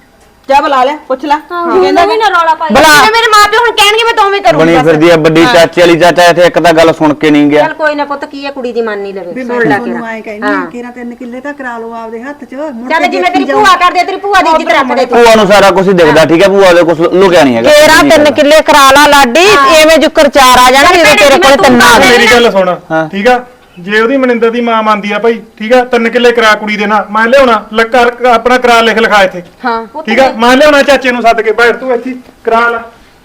Speaker 6: ਜਾ ਬੁਲਾ ਲੈ ਪੁੱਛ ਲੈ
Speaker 11: ਕਹਿੰਦਾ ਵੀ ਨਾ ਰੌਲਾ ਪਾਈ।
Speaker 10: ਜੇ ਮੇਰੇ ਮਾਪੇ ਹੁਣ ਕਹਿਣਗੇ ਮੈਂ ਦੋਵੇਂ ਕਰੂੰਗੀ।
Speaker 7: ਬਣੀ ਫਿਰਦੀ ਆ ਵੱਡੀ ਚਾਚੀ ਵਾਲੀ ਚਾਚਾ ਇੱਥੇ ਇੱਕ ਤਾਂ ਗੱਲ ਸੁਣ ਕੇ ਨਹੀਂ ਗਿਆ।
Speaker 2: ਚੱਲ ਕੋਈ ਨਾ ਪੁੱਤ ਕੀ ਹੈ ਕੁੜੀ ਦੀ ਮੰਨ ਨਹੀਂ ਲਵੇ ਸੁਣ ਲੈ ਕੇ।
Speaker 3: ਤੁਹਾਨੂੰ ਆਏ ਕਹਿੰਦੀ ਆ ਕਿਹੜਾ ਤਿੰਨ ਕਿੱਲੇ ਤਾਂ ਕਰਾ ਲਓ ਆਪਦੇ ਹੱਥ 'ਚ। ਮੁੜ
Speaker 2: ਚੱਲ
Speaker 3: ਕੇ
Speaker 2: ਜਿਵੇਂ ਤੇਰੀ
Speaker 3: ਦੇਖੀ
Speaker 2: ਭੂਆ ਕਰਦੇ ਤੇਰੀ ਭੂਆ ਦੀ ਇੱਜ਼ਤ ਰੱਖਦੇ ਤੂੰ।
Speaker 7: ਭੂਆ ਨੂੰ ਸਾਰਾ ਕੁਝ ਦਿਖਦਾ ਠੀਕ ਹੈ ਭੂਆ ਦੇ ਕੁਝ ਲੁਕਿਆ ਨਹੀਂ ਹੈਗਾ।
Speaker 1: ਤੇਰਾ ਤਿੰਨ ਕਿੱਲੇ ਕਰਾ ਲਾ ਲਾਡੀ ਐਵੇਂ ਜੁਕਰ ਚਾਰ ਆ ਜਾਣਗੇ ਜਦੋਂ ਤੇਰੇ ਕੋਲ ਤਿੰਨ ਆ ਗਏ।
Speaker 5: ਮੇਰੀ ਗੱਲ ਸੁਣ ਠੀਕ ਆ। ਜੇ ਉਹਦੀ ਮਨਿੰਦਰ ਦੀ ਮਾਂ ਮੰਨਦੀ ਆ ਭਾਈ ਠੀਕ ਆ ਤਿੰਨ ਕਿੱਲੇ ਕਰਾ ਕੁੜੀ ਦੇ ਨਾਲ ਮੈਂ ਲਿਆਉਣਾ ਲੱਕਰ ਆਪਣਾ ਕਰਾ ਲਿਖ ਲਿਖਾ ਇੱਥੇ।
Speaker 10: ਹਾਂ
Speaker 5: ਠੀਕ ਆ ਮੈਂ ਲਿਆਉਣਾ ਚਾਚੇ ਨੂੰ ਸੱਦ ਕੇ ਬੈਠ ਤੂੰ ਇੱਥੇ ਕਰਾ ਲੈ।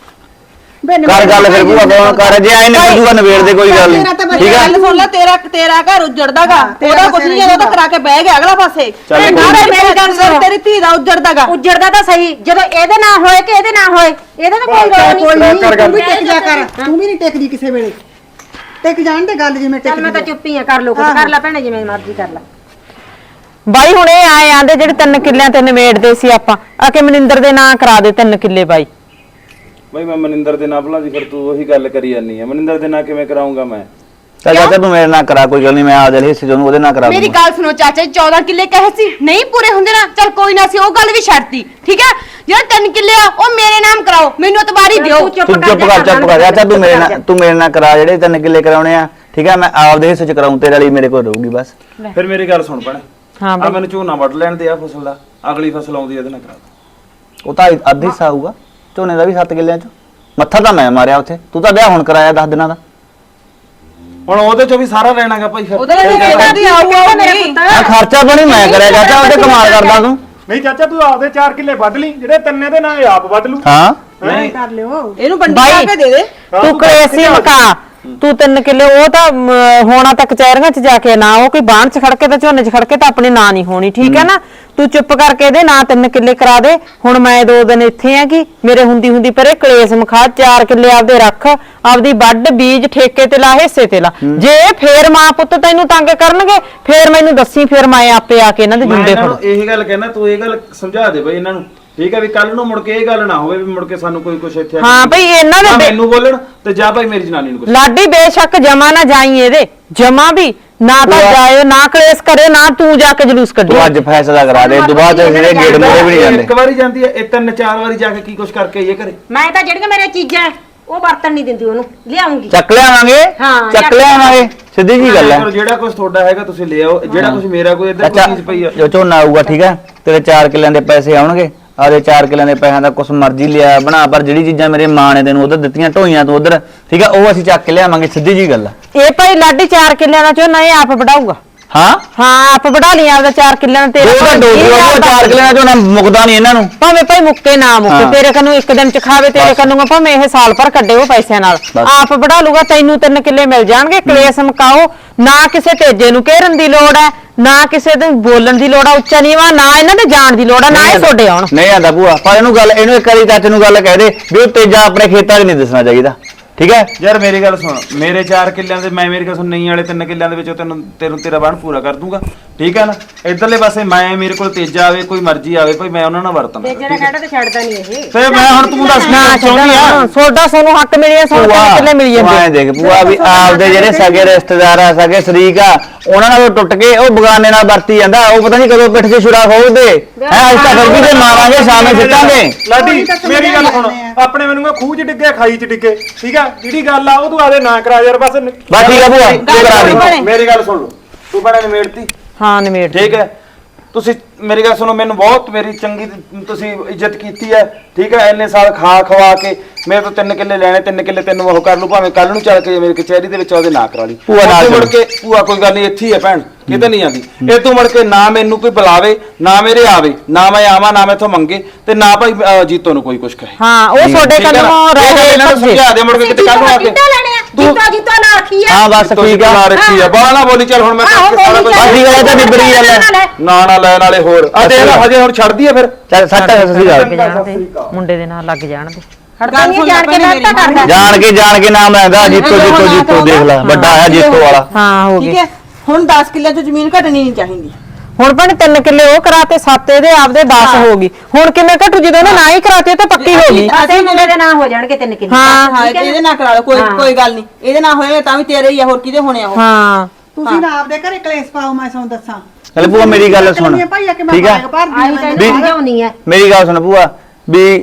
Speaker 7: ਕਰ ਗੱਲ ਫਿਰ ਭੂਆ ਕੌਣ ਕਰ ਜੇ ਆਏ ਨੇ ਬੁਝੂਗਾ ਨਵੇੜ ਦੇ ਕੋਈ ਗੱਲ ਨਹੀਂ ਠੀਕ ਆ।
Speaker 6: ਗੱਲ ਸੁਣ ਲੈ ਤੇਰਾ ਤੇਰਾ ਘਰ ਉਜੜਦਾਗਾ ਉਹਦਾ ਕੁਝ ਨਹੀਂ ਜਦੋਂ ਤਾਂ ਕਰਾ ਕੇ ਬਹਿ ਗਿਆ ਅਗਲਾ ਪਾਸੇ।
Speaker 7: ਚੱਲ
Speaker 6: ਨਾਲੇ ਮੇਰੀ ਗੱਲ ਸੁਣ ਤੇਰੀ ਧੀ ਦਾ ਉਜੜਦਾਗਾ।
Speaker 2: ਉੱਜੜਦਾ ਤਾਂ ਸਹੀ ਜਦੋਂ ਇਹਦੇ ਨਾ ਹੋਏ ਕਿ ਇਹਦੇ ਨਾ ਹੋਏ ਇਹਦਾ ਤਾਂ ਕੋਈ ਰੋਲ
Speaker 3: ਕੋਈ
Speaker 2: ਨਹੀਂ।
Speaker 3: ਨਹੀਂ ਤੂੰ ਵੀ ਟਿਕ ਜਾ ਕਰ ਤੂੰ ਵੀ ਨਹੀਂ ਟਿਕਦੀ ਕਿਸੇ ਵੇਲੇ। ਟਿਕ ਜਾਣ ਦੇ ਗੱਲ ਜਿਵੇਂ
Speaker 2: ਚੱਲ ਮੈਂ ਤਾਂ
Speaker 3: ਟਿਕਦੀ
Speaker 2: ਚੁੱਪ ਹੀ ਆ ਕਰ ਲੋ ਕੁਝ ਕਰ ਲੈ ਭੈਣੇ ਜਿਵੇਂ ਮਰਜ਼ੀ ਕਰ ਲੈ।
Speaker 1: ਬਾਈ ਹੁਣ ਇਹ ਆਏ ਆਂਦੇ ਜਿਹੜੇ ਤਿੰਨ ਕਿੱਲਿਆਂ ਤੇ ਨਿਬੇੜਦੇ ਸੀ ਆਪਾਂ ਆ ਕੇ ਮਨਿੰਦਰ ਦੇ ਨਾਂ ਕਰਾ ਦੇ ਤਿੰਨ ਕਿੱਲੇ ਬਾਈ।
Speaker 7: ਬਈ ਮੈਂ ਮਨਿੰਦਰ ਦੇ ਨਾਂ ਭਲਾ ਦੀ ਫਿਰ ਤੂੰ ਉਹੀ ਗੱਲ ਕਰੀ ਜਾਂਦੀ ਆ। ਮਨਿੰਦਰ ਦੇ ਨਾਂ ਕਿਵੇਂ ਕਰਾਉਂਗਾ ਮੈਂ? ਚੱਲ ਚਾਚਾ ਤੂੰ ਮੇਰੇ ਨਾਲ ਕਰਾ ਕੋਈ ਗੱਲ ਨਹੀਂ ਮੈਂ ਆਪਦੇ ਹਿੱਸੇ ਚੋਂ ਉਹਦੇ ਨਾਲ ਕਰਾ
Speaker 10: ਮੇਰੀ
Speaker 7: ਦੂੰਗਾ।
Speaker 10: ਗੱਲ ਸੁਣੋ ਚਾਚਾ ਜੀ ਚੌਦਾਂ ਕਿੱਲੇ ਕਹੇ ਸੀ ਨਹੀਂ ਪੂਰੇ ਹੁੰਦੇ ਨਾ ਚੱਲ ਕੋਈ ਨਾ ਸੀ ਉਹ ਗੱਲ ਵੀ ਛੱਡਤੀ ਠੀਕ ਹੈ। ਜਿਹੜਾ ਤਿੰਨ ਕਿੱਲੇ ਆ ਉਹ ਮੇਰੇ ਨਾਮ ਕਰਾਓ ਮੈਨੂੰ ਇਤਬਾਰੀ ਦਿਓ।
Speaker 7: ਤੂੰ ਚੁੱਪ ਕਰ ਚੁੱਪ ਕਰ ਚਾਚਾ ਤੂੰ ਮੇਰੇ ਨਾਲ ਤੂੰ ਮੇਰੇ ਨਾਲ ਕਰਾ ਜਿਹੜੇ ਤਿੰਨ ਕਿੱਲੇ ਕਰਾਉਣੇ ਆ ਠੀਕ ਆ। ਮੈਂ ਆਪਦੇ ਹਿੱਸੇ ਚ ਕਰਾਉਂ ਤੇਰੇ ਵਾਲੀ ਮੇਰੇ ਕੋਲ ਰਹੂਗੀ ਬਸ। ਫਿਰ ਮੇਰੀ ਗੱਲ ਸੁਣ ਭੈਣੇ
Speaker 1: ਹਾਂ
Speaker 7: ਆ ਮੈਨੂੰ ਝੋਨਾ ਵੱਢ ਲੈਣ ਦੇ ਆ ਫਸਲ ਦਾ ਅਗਲੀ ਫਸਲ ਆਉਂਦੀ ਇਹਦੇ ਨਾਲ ਕਰਾ ਦੋ। ਉਹ ਤਾਂ ਅੱਧਾ ਹਿੱਸਾ ਆਊਗਾ ਝੋਨੇ ਦਾ ਵੀ ਸੱਤ ਕਿੱਲਿਆਂ ਚ। ਮੱਥਾ ਤਾਂ ਮੈਂ ਮਾਰਿਆ ਉੱਥੇ ਤੂੰ ਤਾਂ ਵਿਆਹ ਹੁਣ ਕਰਾਇਆ ਦਸ ਦਿਨਾਂ ਦਾ। ਹੁਣ ਉਹਦੇ ਚੋਂ ਵੀ ਸਾਰਾ ਰਹਿਣਾਗਾ ਭਾਈ ਫਿਰ
Speaker 6: ਉਹਦੇ ਨਾਲ ਕਿਹੜਾ ਦੀ ਆਊਗਾ ਮੇਰੇ ਪੁੱਤ।
Speaker 7: ਆ ਖਰਚਾ ਬਣੀ ਮੈਂ ਕਰਿਆ ਚਾਚਾ ਉਹਦੇ ਕਮਾਲ ਕਰਦਾ ਤੂੰ।
Speaker 5: ਨਹੀਂ ਚਾਚਾ ਤੂੰ ਆਪਦੇ ਚਾਰ ਕਿੱਲੇ ਵੱਢ ਲਈ ਜਿਹੜੇ ਤਿੰਨੇ ਦੇ ਨਾਲ ਆਪ ਵੱਢ ਲੂ।
Speaker 7: ਹਾਂ
Speaker 3: ਨਹੀਂ ਕਰ ਲਿਓ।
Speaker 6: ਇਹਨੂੰ ਬੰਡੀ ਲਾ ਕੇ ਦੇ ਦੇ।
Speaker 1: ਤੂੰ ਕਲੇਸੀ ਮਕਾ ਤੂੰ ਤਿੰਨ ਕਿੱਲੇ ਉਹ ਤਾਂ ਅਮ, ਹੋਣਾ ਤਾਂ ਕਚਹਿਰੀਆਂ 'ਚ ਜਾ ਕੇ ਨਾ ਉਹ ਕੋਈ ਬਾਣ 'ਚ ਖੜ ਕੇ ਤਾਂ ਝੋਨੇ 'ਚ ਖੜ ਕੇ ਤਾਂ ਆਪਣੇ ਨਾਂ ਨਹੀਂ ਹੋਣੀ ਠੀਕ ਹੈ ਨਾ। ਤੂੰ ਚੁੱਪ ਕਰਕੇ ਇਹਦੇ ਨਾਂ ਤਿੰਨ ਕਿੱਲੇ ਕਰਾ ਦੇ। ਹੁਣ ਮੈਂ ਦੋ ਦਿਨ ਇੱਥੇ ਆ ਕਿ ਮੇਰੇ ਹੁੰਦੀ ਹੁੰਦੀ ਪਰੇ ਕਲੇਸ ਮਖਾ ਚਾਰ ਕਿੱਲੇ ਆਪਦੇ ਰੱਖ ਆਪਦੀ ਵੱਢ ਬੀਜ ਠੇਕੇ ਤੇ ਲਾ ਹਿੱਸੇ ਤੇ ਲਾ। ਜੇ ਫੇਰ ਮਾਂ ਪੁੱਤ ਤੈਨੂੰ ਤੰਗ ਕਰਨਗੇ ਫੇਰ ਮੈਨੂੰ ਦੱਸੀ ਫੇਰ ਮੈਂ ਆਪੇ ਆ ਕੇ ਇਹਨਾਂ ਦੇ ਜੁੰਡੇ ਫੜ।
Speaker 7: ਇਹੀ ਗੱਲ ਕਹਿਣਾ ਤੂੰ ਇਹ ਗੱਲ ਸਮਝਾ ਦੇ ਬਈ ਇਹਨਾਂ ਨੂੰ
Speaker 9: ਠੀਕ ਹੈ ਵੀ ਕੱਲ ਨੂੰ ਮੁੜ ਕੇ ਇਹ ਗੱਲ ਨਾ ਹੋਵੇ ਵੀ ਮੁੜ ਕੇ ਸਾਨੂੰ ਕੋਈ ਕੁਛ ਇੱਥੇ
Speaker 1: ਹਾਂ ਭਈ ਇਹਨਾਂ ਦੇ
Speaker 9: ਨਾ
Speaker 1: ਬੇ-
Speaker 9: ਮੈਨੂੰ ਬੋਲਣ ਤੇ ਜਾ ਭਾਈ ਮੇਰੀ ਜਨਾਨੀ ਨੂੰ ਕੁਛ
Speaker 1: ਲਾਡੀ ਬੇਸ਼ੱਕ ਜਮਾ ਨਾ ਜਾਈ ਇਹਦੇ ਜਮਾ ਵੀ ਨਾ ਤਾਂ ਜਾਇਓ ਨਾ ਕਲੇਸ਼ ਕਰੇ ਨਾ ਤੂੰ ਜਾ ਕੇ ਜਲੂਸ ਕੱਢੀ
Speaker 7: ਤੂੰ ਅੱਜ ਫੈਸਲਾ ਕਰਾ ਦੇ ਦੁਬਾਰਾ ਤੇ ਜਿਹੜੇ ਗੇਟ ਮੂਹਰੇ ਵੀ ਨਹੀਂ ਜਾਂਦੇ
Speaker 9: ਇੱਕ ਵਾਰੀ ਜਾਂਦੀ ਹੈ ਇਹ ਤਿੰਨ ਚਾਰ ਵਾਰੀ ਜਾ ਕੇ ਕੀ ਕੁਛ ਕਰਕੇ ਇਹ ਕਰੇ
Speaker 2: ਮੈਂ ਤਾਂ ਜਿਹੜੀਆਂ ਮੇਰੇ ਚੀਜ਼ਾਂ ਉਹ ਵਰਤਣ ਨਹੀਂ ਦਿੰਦੀ ਉਹਨੂੰ ਲਿਆਉਂਗੀ
Speaker 7: ਚੱਕ ਲਿਆਵਾਂਗੇ
Speaker 2: ਹਾਂ,
Speaker 7: ਚੱਕ
Speaker 2: ਚੱਕ
Speaker 7: ਲਿਆਵਾਂਗੇ ਸਿੱਧੀ ਜੀ ਗੱਲ ਹੈ
Speaker 9: ਚਲੋ ਜਿਹੜਾ ਕੁਛ ਤੁਹਾਡਾ ਹੈਗਾ ਤੁਸੀਂ ਲੈ ਆਓ ਜਿਹੜਾ ਕੁਛ ਮੇਰਾ ਕੋਈ ਇੱਧਰ ਕੋਈ ਚੀਜ਼ ਪਈ ਆ
Speaker 7: ਜੋ ਝੋਨਾ ਆਊਗਾ ਠੀਕ ਹੈ ਤੇਰੇ ਚਾਰ ਕਿੱਲਿਆਂ ਦੇ ਪੈਸੇ ਆਉਣਗੇ ਆਦੇ ਚਾਰ ਕਿੱਲਿਆਂ ਦੇ ਪੈਸਿਆਂ ਦਾ ਕੁਛ ਮਰਜ਼ੀ ਲਿਆ ਬਣਾ ਪਰ ਜਿਹੜੀ ਚੀਜ਼ਾਂ ਮੇਰੇ ਮਾਂ ਨੇ ਤੈਨੂੰ ਉਧਰ ਦਿੱਤੀਆਂ ਢੋਈਆਂ ਤੋਂ ਉਧਰ ਠੀਕ ਹੈ ਉਹ ਅਸੀਂ ਚੱਕ ਕੇ ਲਿਆਵਾਂਗੇ ਸਿੱਧੀ ਜੀ ਗੱਲ ਹੈ
Speaker 1: ਇਹ ਭਾਈ ਲਾਡੀ ਚਾਰ ਕਿੱਲਿਆਂ ਦਾ ਝੋਨਾ ਇਹ ਆਪ ਵਢਾਊਗਾ
Speaker 7: ਹਾਂ
Speaker 1: ਹਾਂ ਆਪ ਵਢਾ ਲਈ ਆਪਦਾ ਚਾਰ ਕਿੱਲਿਆਂ ਦਾ
Speaker 7: ਉਹ ਤਾਂ ਡੋਬੂ ਉਹ ਚਾਰ ਕਿੱਲਿਆਂ ਦਾ ਝੋਨਾ ਮੁੱਕਦਾ ਨਹੀਂ ਇਹਨਾਂ ਨੂੰ
Speaker 1: ਭਾਵੇਂ ਭਾਈ ਮੁੱਕੇ ਨਾ ਮੁੱਕੇ
Speaker 7: ਹਾਂ।
Speaker 1: ਤੇਰੇ ਕੰਨੂ ਇੱਕ ਦਿਨ ਚ ਖਾਵੇ ਤੇਰੇ ਕੰਨੂ ਭਾਵੇਂ ਇਹ ਸਾਲ ਭਰ ਕੱਢੇ ਉਹ ਪੈਸਿਆਂ ਨਾਲ
Speaker 7: ਬਸ।
Speaker 1: ਆਪ ਵਢਾ ਲੂਗਾ ਤੈਨੂੰ ਤਿੰਨ ਕਿੱਲੇ ਮਿਲ ਜਾਣਗੇ ਕਲੇਸ਼ ਮਕਾਓ ਨਾ ਕਿਸੇ ਤੇਜੇ ਨੂੰ ਘੇਰਨ ਦੀ ਲੋੜ ਹੈ ਨਾ ਕਿਸੇ ਨੂੰ ਬੋਲਣ ਦੀ ਲੋੜ ਆ ਉੱਚਾ ਨੀਵਾ ਨਾ ਇਹਨਾਂ ਦੇ ਜਾਣ ਦੀ ਲੋੜ ਆ ਨਾ ਇਹ ਤੁਹਾਡੇ ਆਉਣ
Speaker 7: ਨਹੀਂ ਆਂਦਾ ਭੂਆ ਪਰ ਇਹਨੂੰ ਗੱਲ ਇਹਨੂੰ ਇੱਕ ਵਾਰੀ ਚਾਚੇ ਨੂੰ ਗੱਲ ਕਹਿ ਦੇ ਵੀ ਉਹ ਤੇਜਾ ਆਪਣੇ ਖੇਤਾਂ 'ਚ ਨਹੀਂ ਦੱਸਣਾ ਚਾਹੀਦਾ ਠੀਕ ਹੈ
Speaker 9: ਯਾਰ ਮੇਰੀ ਗੱਲ ਸੁਣ ਮੇਰੇ ਚਾਰ ਕਿੱਲਿਆਂ ਦੇ ਮੈਂ ਮੇਰੀ ਗੱਲ ਸੁਣ ਨਹੀਂ ਵਾਲੇ ਤਿੰਨ ਕਿੱਲਿਆਂ ਦੇ ਵਿੱਚੋਂ ਤੈਨੂੰ ਤੈਨੂੰ ਤੇਰਾ ਬਣ ਪੂਰਾ ਕਰ ਦੂੰਗਾ ਠੀਕ ਹੈ ਨਾ ਇਧਰਲੇ ਪਾਸੇ ਮੈਂ ਮੇਰੇ ਕੋਲ ਤੇਜਾ ਆਵੇ ਕੋਈ ਮਰਜ਼ੀ ਆਵੇ ਭਾਈ ਮੈਂ ਉਹਨਾਂ ਨਾਲ ਵਰਤਾਂ
Speaker 2: ਤੇ ਜਿਹੜਾ ਕਹਿੰਦਾ ਤੇ ਛੱਡਦਾ ਨਹੀਂ ਇਹ
Speaker 9: ਤੇ ਮੈਂ ਹੁਣ ਤੂੰ ਦੱਸ
Speaker 1: ਨਾ
Speaker 9: ਚਾਹੁੰਦੀ ਆ
Speaker 1: ਸੋਡਾ ਸੋਨੂੰ ਹੱਕ ਮਿਲਿਆ ਸੋਨੂੰ ਤਿੰਨ ਕਿੱਲੇ ਮਿਲ
Speaker 7: ਭੂਆ
Speaker 1: ਜਾਂਦੇ
Speaker 7: ਦੇਖ ਭੂਆ ਵੀ ਆਪਦੇ ਜਿਹੜੇ ਸਗੇ ਰਿਸ਼ਤੇਦਾਰ ਆ ਸਗੇ ਸ਼ਰੀਕ ਆ ਉਹਨਾਂ ਨਾਲ ਉਹ ਟੁੱਟ ਕੇ ਉਹ ਬਗਾਨੇ ਨਾਲ ਵਰਤੀ ਜਾਂਦਾ ਉਹ ਪਤਾ ਨਹੀਂ ਕਦੋਂ ਪਿੱਠ 'ਚ ਛੁਰਾ ਖੋਲਦੇ ਹੈ ਅੱਜ ਤਾਂ ਫਿਰ ਵੀ ਤੇ ਮਾਰਾਂਗੇ ਸਾਹਮਣੇ ਸਿੱਟਾਂਗੇ
Speaker 5: ਲਾਡੀ ਮੇਰੀ ਗੱਲ ਸੁਣ ਆਪਣੇ ਮੈਨੂੰ ਕਹ ਖੂਹ 'ਚ ਡਿੱਗੇ ਖਾਈ 'ਚ ਡਿੱਗੇ ਠੀਕ ਆ ਜਿਹੜੀ ਗੱਲ ਆ ਉਹ ਤੂੰ ਆਦੇ ਨਾ ਕਰਾ ਯਾਰ ਬਸ
Speaker 7: ਬਸ ਠੀਕ ਆ ਭੂਆ ਤੂੰ ਕਰਾ ਦੇ
Speaker 9: ਮੇਰੀ ਗੱਲ ਸੁਣ ਲਓ ਤੂੰ ਬੜਾ ਨਿਮੇੜਤੀ
Speaker 1: ਹਾਂ ਨਿਮੇੜ
Speaker 9: ਠੀਕ ਹੈ ਤੁਸੀਂ ਮੇਰੀ ਗੱਲ ਸੁਣੋ ਮੈਨੂੰ ਬਹੁਤ ਮੇਰੀ ਚੰਗੀ ਤੁਸੀਂ ਇੱਜ਼ਤ ਕੀਤੀ ਹੈ ਠੀਕ ਹੈ ਇੰਨੇ ਸਾਲ ਖਾ ਖਵਾ ਕੇ ਮੇਰੇ ਤੋਂ ਤਿੰਨ ਕਿੱਲੇ ਲੈਣੇ ਤਿੰਨ ਕਿੱਲੇ ਤੈਨੂੰ ਉਹ ਕਰ ਲੂ ਭਾਵੇਂ ਕੱਲ ਨੂੰ ਚੱਲ ਕੇ ਮੇਰੇ ਕਚਹਿਰੀ ਦੇ ਵਿੱਚ ਉਹਦੇ ਨਾਂ ਕਰਾ ਲਈ
Speaker 7: ਭੂਆ ਨਾਲ
Speaker 9: ਮੁੜ ਕੇ ਭੂਆ ਕੋਈ ਗੱਲ ਨਹੀਂ ਇੱਥੇ ਹੀ ਹੈ ਭੈਣ ਕਿਤੇ ਨਹੀਂ ਜਾਂਦੀ ਇਹ ਤੂੰ ਮੁੜ ਕੇ ਨਾ ਮੈਨੂੰ ਕੋਈ ਬੁਲਾਵੇ ਨਾ ਮੇਰੇ ਆਵੇ ਨਾ ਮੈਂ ਆਵਾਂ ਨਾ ਮੈਥੋਂ ਮੰਗੇ ਤੇ ਨਾ ਭਾਈ ਅਹ, ਜੀਤੋ ਨੂੰ ਕੋਈ ਕੁਛ ਕਹੇ
Speaker 1: ਹਾਂ ਉਹ ਤੁਹਾਡੇ
Speaker 9: ਠੀਕ ਹੈ ਨਾ?
Speaker 1: ਕੰਨੋਂ
Speaker 9: ਇਹ ਗੱਲ
Speaker 1: ਰਹੇ
Speaker 9: ਇਹਨਾਂ ਨੂੰ ਸਮਝਾ ਦੇ ਮੁੜ ਕੇ ਕਿਤੇ ਕੱਲ ਨੂੰ ਆ ਕੇ
Speaker 2: ਜੀਤਾ ਜੀਤਾ ਨਾ ਆਖੀ ਆ
Speaker 7: ਹਾਂ ਬਸ ਠੀਕ ਆ
Speaker 9: ਨਾ ਰੱਖੀ ਆ ਬਾਹਲਾ ਨਾ ਬੋਲੀ ਚੱਲ ਹੁਣ ਮੈਂ
Speaker 2: ਆਹੋ,
Speaker 9: ਸਾਰਾ ਕੁਝ
Speaker 7: ਬਸ ਠੀਕ ਆ ਇਹ ਤਾਂ ਨਿਬੜੀ ਗੱਲ ਹੈ
Speaker 9: ਨਾ ਨਾ ਲੈਣ ਵਾਲੇ ਹੋਰ ਆ ਦੇਖ ਲੈ ਹਜੇ ਹੁਣ ਛੱਡਦੀ ਆ ਫਿਰ
Speaker 7: ਚੱਲ ਸੱਟ ਸਸੀ ਗੱਲ
Speaker 1: ਜਾਣਦੇ ਮੁੰਡੇ ਦੇ ਨਾਲ ਲੱਗ ਜਾਣਦੇ
Speaker 2: ਹੜਦਾ ਨਹੀਂ ਜਾਣ ਕੇ ਮੈਂ ਤਾਂ ਕਰਦਾ
Speaker 7: ਜਾਣ ਕੇ ਜਾਣ ਕੇ ਨਾਮ ਲੈਂਦਾ ਜੀਤੋ ਜੀਤੋ ਜੀਤੋ ਦੇਖ ਲੈ ਵੱਡਾ ਆ ਜੀਤੋ ਵਾਲਾ
Speaker 1: ਹਾਂ ਹੋ
Speaker 6: ਠੀਕ
Speaker 1: ਗਏ
Speaker 6: ਹੈ ਹੁਣ ਦਸ ਕਿੱਲੇ ਤੋਂ ਜ਼ਮੀਨ ਘਟਣੀ ਨਹੀਂ ਚਾਹੀਦੀ
Speaker 1: ਹੁਣ ਭੈਣ ਤਿੰਨ ਕਿੱਲੇ ਉਹ ਕਰਾਤੇ ਸੱਤ ਇਹਦੇ ਆਪਦੇ ਦਸ ਹੋ ਗਈ ਹੁਣ ਕਿਵੇਂ ਘਟੂ ਜਦੋਂ ਉਹਨੇ ਨਾ ਹੀ ਕਰਾਤੇ ਉਹ ਤਾਂ ਪੱਕੀ ਹੋ ਗਈ
Speaker 2: ਅਸੀਂ ਮੁੰਡੇ ਦੇ ਨਾਂ ਹੋ ਜਾਣਗੇ ਤਿੰਨ ਕਿੱਲੇ
Speaker 1: ਹਾਂ
Speaker 6: ਹਾਂ ਇਹਦੇ ਨਾਲ ਕਰਾ ਲਓ ਕੋਈ ਕੋਈ ਗੱਲ ਨਹੀਂ ਇਹਦੇ ਨਾਲ ਹੋਏ ਤਾਂ ਵੀ ਤੇਰੇ ਹੀ ਆ ਹੋਰ ਕਿਹਦੇ ਹੋਣੇ ਆ ਉਹ
Speaker 1: ਹਾਂ
Speaker 3: ਤੁਸੀਂ ਨਾ ਆਪਦੇ ਘਰੇ ਕਲੇਸ਼ ਪਾਓ ਮੈਂ ਤੁਹਾਨੂੰ ਦੱਸਾਂ
Speaker 7: ਚੱਲ ਭੂਆ ਮੇਰੀ ਗੱਲ ਸੁਣ
Speaker 3: ਭਾਈ ਆ ਕਿ ਮੈਂ
Speaker 7: ਠੀਕ ਆ
Speaker 3: ਬਾਗ ਭਰਦੀ
Speaker 2: ਆਈ
Speaker 3: ਹਾਂ
Speaker 2: ਤੈਨੂੰ ਸਮਝਾਉਣੀ ਹੈ
Speaker 7: ਮੇਰੀ ਗੱਲ ਸੁਣ ਭੂਆ ਵੀ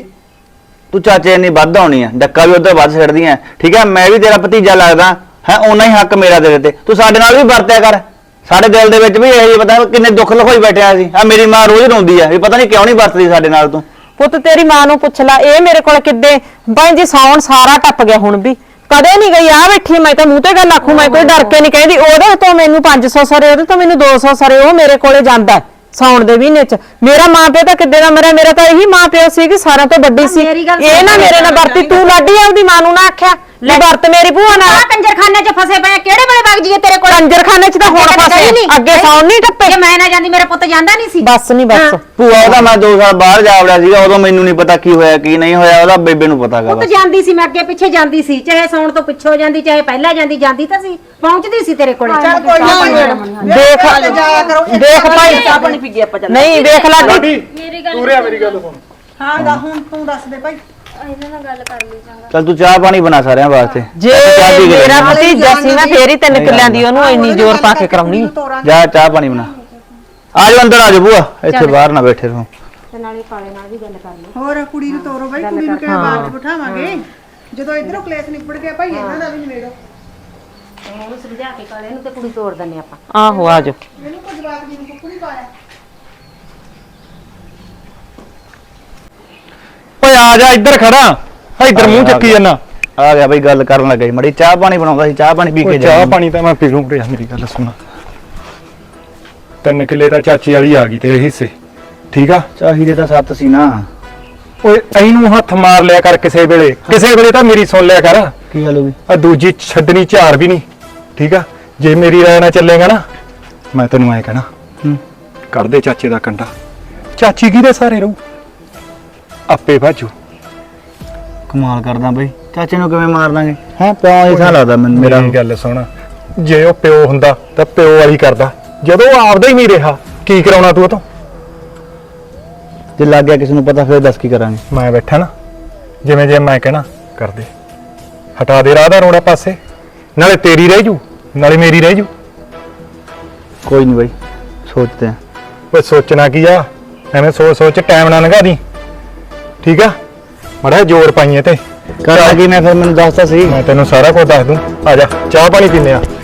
Speaker 7: ਤੂੰ ਚਾਚੇ ਨਹੀਂ ਵੱਧ ਆਉਣੀ ਆ ਡੱਕਾ ਵੀ ਉਧਰ ਵੱਧ ਛੱਡਦੀ ਆ ਠੀਕ ਆ ਮੈਂ ਵੀ ਤੇਰਾ ਭਤੀਜਾ ਲੱਗਦਾ ਹੈ ਓਨਾ ਹੀ ਹੱਕ ਮੇਰਾ ਤੇਰੇ ਤੇ ਤੂੰ ਸਾਡੇ ਨਾਲ ਵੀ ਵਰਤਿਆ ਕਰ ਸਾਡੇ ਦਿਲ ਦੇ ਵਿੱਚ ਵੀ ਇਹ ਪਤਾ ਕਿੰਨੇ ਦੁੱਖ ਲਖੋਈ ਬੈਠਿਆ ਸੀ ਆ ਮੇਰੀ ਮਾਂ ਰੋਜ਼ ਰੋਂਦੀ ਆ ਵੀ ਪਤਾ ਨਹੀਂ ਕਿਉਂ ਨਹੀਂ ਵਰਤਦੀ ਸਾਡੇ ਨਾਲ ਤੂੰ
Speaker 1: ਪੁੱਤ ਤੇਰੀ ਮਾਂ ਨੂੰ ਪੁੱਛ ਲੈ ਇਹ ਮੇਰੇ ਕੋਲ ਕਿੱਦੇ ਭਾਈ ਜੀ ਸੌਣ ਸਾਰਾ ਟੱਪ ਗਿਆ ਹੁਣ ਵੀ ਕਦੇ ਨਹੀਂ ਗਈ ਆ ਬੈਠੀ ਮੈਂ ਤਾਂ ਮੂੰਹ ਤੇ ਗੱਲ ਆਖੂ ਮੈਂ ਕੋਈ ਡਰ ਕੇ ਨਹੀਂ ਕਹਿੰਦੀ ਉਹਦੇ ਤੋਂ ਮੈਨੂੰ ਪੰਜ ਸੌ ਸਰੇ ਉਹਦੇ ਤੋਂ ਮੈਨੂੰ ਦੋ ਸੌ ਸਰੇ ਉਹ ਮੇਰੇ ਕੋਲੇ ਜਾਂਦਾ ਸੌਣ ਦੇ ਮਹੀਨੇ ਚ ਮੇਰਾ ਮਾਂ ਪਿਓ ਤਾਂ ਕਿੱਦੇ ਦਾ ਮਰਿਆ ਮੇਰਾ ਤਾਂ ਇਹੀ ਮਾਂ ਪਿਓ ਸੀ ਕਿ ਸਾਰਿਆਂ ਤੋਂ ਵੱਡੀ ਸੀ
Speaker 2: ਮੇਰੀ ਗੱਲ
Speaker 1: ਇਹ ਨਾ ਮੇਰੇ ਨਾਲ ਵਰਤੀ ਤੂੰ ਲਾਡੀ ਆਪਦੀ ਮਾਂ ਨੂੰ ਨਾ ਆਖਿਆ ਲੈ ਵਰਤ ਮੇਰੀ ਭੂਆ ਨਾਲ
Speaker 2: ਆ ਕੰਜਰਖਾਨੇ 'ਚ ਫਸੇ ਪਏ ਆ, ਕਿਹੜੇ ਵੇਲੇ ਵਗ ਜੀਏ ਤੇਰੇ ਕੋਲ
Speaker 1: ਕੰਜਰਖਾਨੇ ਚ ਤਾਂ ਹੁਣ ਫਸੇ ਅੱਗੇ ਸੌਣ ਨਹੀਂ ਟੱਪੇ
Speaker 2: ਜੇ ਮੈਂ ਨਾ ਜਾਂਦੀ ਮੇਰਾ ਪੁੱਤ ਜਾਂਦਾ ਨਹੀਂ ਸੀ
Speaker 1: ਬਸ ਨਹੀਂ ਬਸ
Speaker 7: ਭੂਆ ਉਹਦਾ ਮੈਂ ਦੋ ਸਾਲ ਬਾਹਰ ਜਾ ਵੜਿਆ ਸੀਗਾ ਉਦੋਂ ਮੈਨੂੰ ਨਹੀਂ ਪਤਾ ਕੀ ਹੋਇਆ ਕੀ ਨਹੀਂ ਹੋਇਆ ਉਹਦਾ ਬੇਬੇ ਨੂੰ ਪਤਾ ਗਾ
Speaker 2: ਪੁੱਤ
Speaker 7: ਬਸ
Speaker 2: ਜਾਂਦੀ ਸੀ ਮੈਂ ਅੱਗੇ ਪਿੱਛੇ ਜਾਂਦੀ ਸੀ ਚਾਹੇ ਸੌਣ ਤੋਂ ਪਿੱਛੋਂ ਜਾਂਦੀ ਚਾਹੇ ਪਹਿਲਾਂ ਜਾਂਦੀ ਜਾਂਦੀ ਤਾਂ ਸੀ ਪਹੁੰਚਦੀ ਸੀ ਤੇਰੇ ਕੋਲੇ
Speaker 3: ਚੱਲ ਕੋਈ ਨਾ
Speaker 1: ਦੇਖ
Speaker 3: ਜਾਇਆ ਕਰੋ
Speaker 1: ਦੇਖ ਭਾਈ
Speaker 6: ਚਾਹ ਪਾਣੀ ਪੀ ਗਏ ਆਪਾਂ ਚੱਲ
Speaker 1: ਨਹੀਂ ਦੇਖ ਲਾਡੀ
Speaker 5: ਲਾਡੀ
Speaker 11: ਮੇਰੀ ਗੱਲ
Speaker 5: ਤੂੰ ਰਿਆ ਮੇਰੀ ਗੱਲ ਸੁਣ
Speaker 3: ਹਾਂ ਦਾ ਹੁਣ ਤੂੰ ਦੱਸ ਦੇ ਭਾਈ
Speaker 11: ਇਹਨਾਂ ਨਾਲ ਗੱਲ ਕਰ ਲਈ ਚੰਗਾ
Speaker 7: ਚੱਲ ਤੂੰ ਚਾਹ ਪਾਣੀ ਬਣਾ ਸਾਰਿਆਂ ਵਾਸਤੇ
Speaker 1: ਜੇ
Speaker 7: ਚਾਹ ਪੀ ਕੇ
Speaker 1: ਮੇਰਾ
Speaker 7: ਜਾਣਾ।
Speaker 1: ਭਤੀਜਾ ਸੀ ਨਾ ਫੇਰ ਹੀ ਤਿੰਨ ਕਿੱਲਿਆਂ ਦੀ ਉਹਨੂੰ ਇੰਨੀ ਜ਼ੋਰ ਪਾ ਕੇ ਕਰਾਉਣੀ
Speaker 7: ਜਾ ਚਾਹ ਪਾਣੀ ਬਣਾ ਆ ਜਾਓ ਅੰਦਰ ਆ ਜਾਓ ਭੂਆ ਇੱਥੇ ਬਾਹਰ ਨਾ ਬੈਠੇ ਰਹੋ
Speaker 2: ਤੇ ਨਾਲੇ ਕਾਲੇ ਨਾਲ ਵੀ ਗੱਲ ਕਰ ਲਓ
Speaker 3: ਹੋਰ ਕੁੜੀ ਨੂੰ ਤੋਰੋ ਬਾਈ ਕੁੜੀ ਨੂੰ ਕਿਵੇਂ ਬਾਹਰ ਚ ਬਿਠਾਵਾਂਗੇ ਜਦੋਂ ਇਧਰੋਂ ਕਲੇਸ਼ ਨਿਬੜ ਗਿਆ ਭਾਈ ਇਹਨਾਂ ਦਾ ਵੀ ਨਿਬੇੜੋ
Speaker 2: ਉਹਨੂੰ ਸਮਝਾ ਕੇ ਕਾਲੇ ਨੂੰ ਤੇ ਕੁੜੀ ਤੋੜ ਦਿੰਨੇ ਆਪਾਂ
Speaker 1: ਆਹੋ ਆ ਜਾਓ
Speaker 3: ਇਹਨੂੰ ਕੋਈ ਜਵਾਬ ਦੀ ਨੂੰ ਕੁੱਕੂ ਨਹੀਂ ਪਾਇਆ
Speaker 5: ਓਏ ਆ ਜਾ ਇੱਧਰ ਖੜਾ ਇੱਧਰ ਮੂੰਹ ਚੱਕੀ ਜਾਂਦਾ
Speaker 7: ਆ ਗਿਆ ਬਈ ਗੱਲ ਕਰਨ ਲੱਗਾ ਮੜੀ ਚਾਹ ਪਾਣੀ ਬਣਾਉਂਦਾ ਸੀ ਚਾਹ ਪਾਣੀ ਪੀ ਕੇ
Speaker 5: ਚਾਹ
Speaker 7: ਜਾ
Speaker 5: ਪਾਣੀ ਤਾਂ ਮੈਂ ਪੀ ਲੂੰ ਰਿਆ ਮੇਰੀ ਗੱਲ ਸੁਣ ਤਿੰਨ ਕਿੱਲੇ ਤਾਂ ਚਾਚੀ ਵਾਲੀ ਆ ਗਈ ਤੇਰੇ ਹਿੱਸੇ ਠੀਕ ਆ
Speaker 7: ਚਾਹੀਦੇ ਤਾਂ ਸੱਤ ਸੀ ਨਾ
Speaker 5: ਓਏ ਐਨੂੰ ਹੱਥ ਮਾਰ ਲਿਆ ਕਰ ਕਿਸੇ ਵੇਲੇ ਕਿਸੇ ਵੇਲੇ ਤਾਂ ਮੇਰੀ ਸੁਣ ਲਿਆ ਕਰ
Speaker 7: ਕੀ ਗੱਲ ਹੋ ਗਈ
Speaker 5: ਆ ਦੂਜੀ ਛੱਡਣੀ ਝਾਰ ਵੀ ਨਹੀਂ ਠੀਕ ਆ ਜੇ ਮੇਰੀ ਰਾਇ ਨਾਲ ਚੱਲੇਗਾ ਨਾ ਮੈਂ ਤੈਨੂੰ ਐ ਕਹਿਣਾ
Speaker 7: ਹੂੰ
Speaker 5: ਕੱਢ ਦੇ ਚਾਚੇ ਦਾ ਕੰਡਾ ਚਾਚੀ ਕਿਹਦੇ ਸਾਰੇ ਰਹੂ ਆਪੇ ਭਾਜੂ
Speaker 7: ਕਮਾਲ ਕਰਦਾ ਬਈ ਚਾਚੇ ਨੂੰ ਕਿਵੇਂ ਮਾਰ ਦਾਂਗੇ ਹੈ ਪਿਓ ਐਸਾ ਲੱਗਦਾ ਮੈਨੂੰ ਮੇਰਾ
Speaker 5: ਮੇਰੀ ਗੱਲ ਸੁਣ ਜੇ ਉਹ ਪਿਓ ਹੁੰਦਾ ਤਾਂ ਪਿਓ ਵਾਲੀ ਕਰਦਾ ਜਦੋਂ ਉਹ ਆਪਦਾ ਹੀ ਨਹੀਂ ਰਿਹਾ ਕੀ ਕਰਾਉਣਾ ਤੂੰ ਉਹ ਤੋਂ
Speaker 7: ਜੇ ਲੱਗ ਗਿਆ ਕਿਸੇ ਨੂੰ ਪਤਾ ਫਿਰ ਦੱਸ ਕੀ ਕਰਾਂਗੇ।
Speaker 5: ਮੈਂ ਬੈਠਾ ਨਾ, ਜਿਵੇਂ ਜੇ ਮੈਂ ਕਹਿਣਾ ਕਰ ਦੇ, ਹਟਾ ਦੇ ਰਾਹ ਦਾ ਰੋੜਾ ਪਾਸੇ, ਨਾਲੇ ਤੇਰੀ ਰਹਿ ਜੂ ਨਾਲੇ ਮੇਰੀ ਰਹਿ ਜੂ।
Speaker 7: ਕੋਈ ਨਹੀਂ ਬਾਈ, ਸੋਚਦੇ ਆ।
Speaker 5: ਓਏ ਸੋਚਣਾ ਕੀ ਆ, ਐਵੇਂ ਸੋਚ ਸੋਚ ਟਾਈਮ ਨਾ ਲੰਘਾ ਦੀ, ਠੀਕ ਆ? ਮੜਾ ਜ਼ੋਰ ਪਾਈਏ ਤੇ
Speaker 7: ਕਰਾਂਗੇ। ਮੈਂ ਫਿਰ ਮੈਨੂੰ ਦੱਸਦਾ ਸੀ,
Speaker 5: ਮੈਂ ਤੈਨੂੰ ਸਾਰਾ ਕੁਝ ਦੱਸ ਦੂੰ। ਆ ਜਾ ਚਾਹ ਪਾਣੀ ਪੀਨੇ ਆ।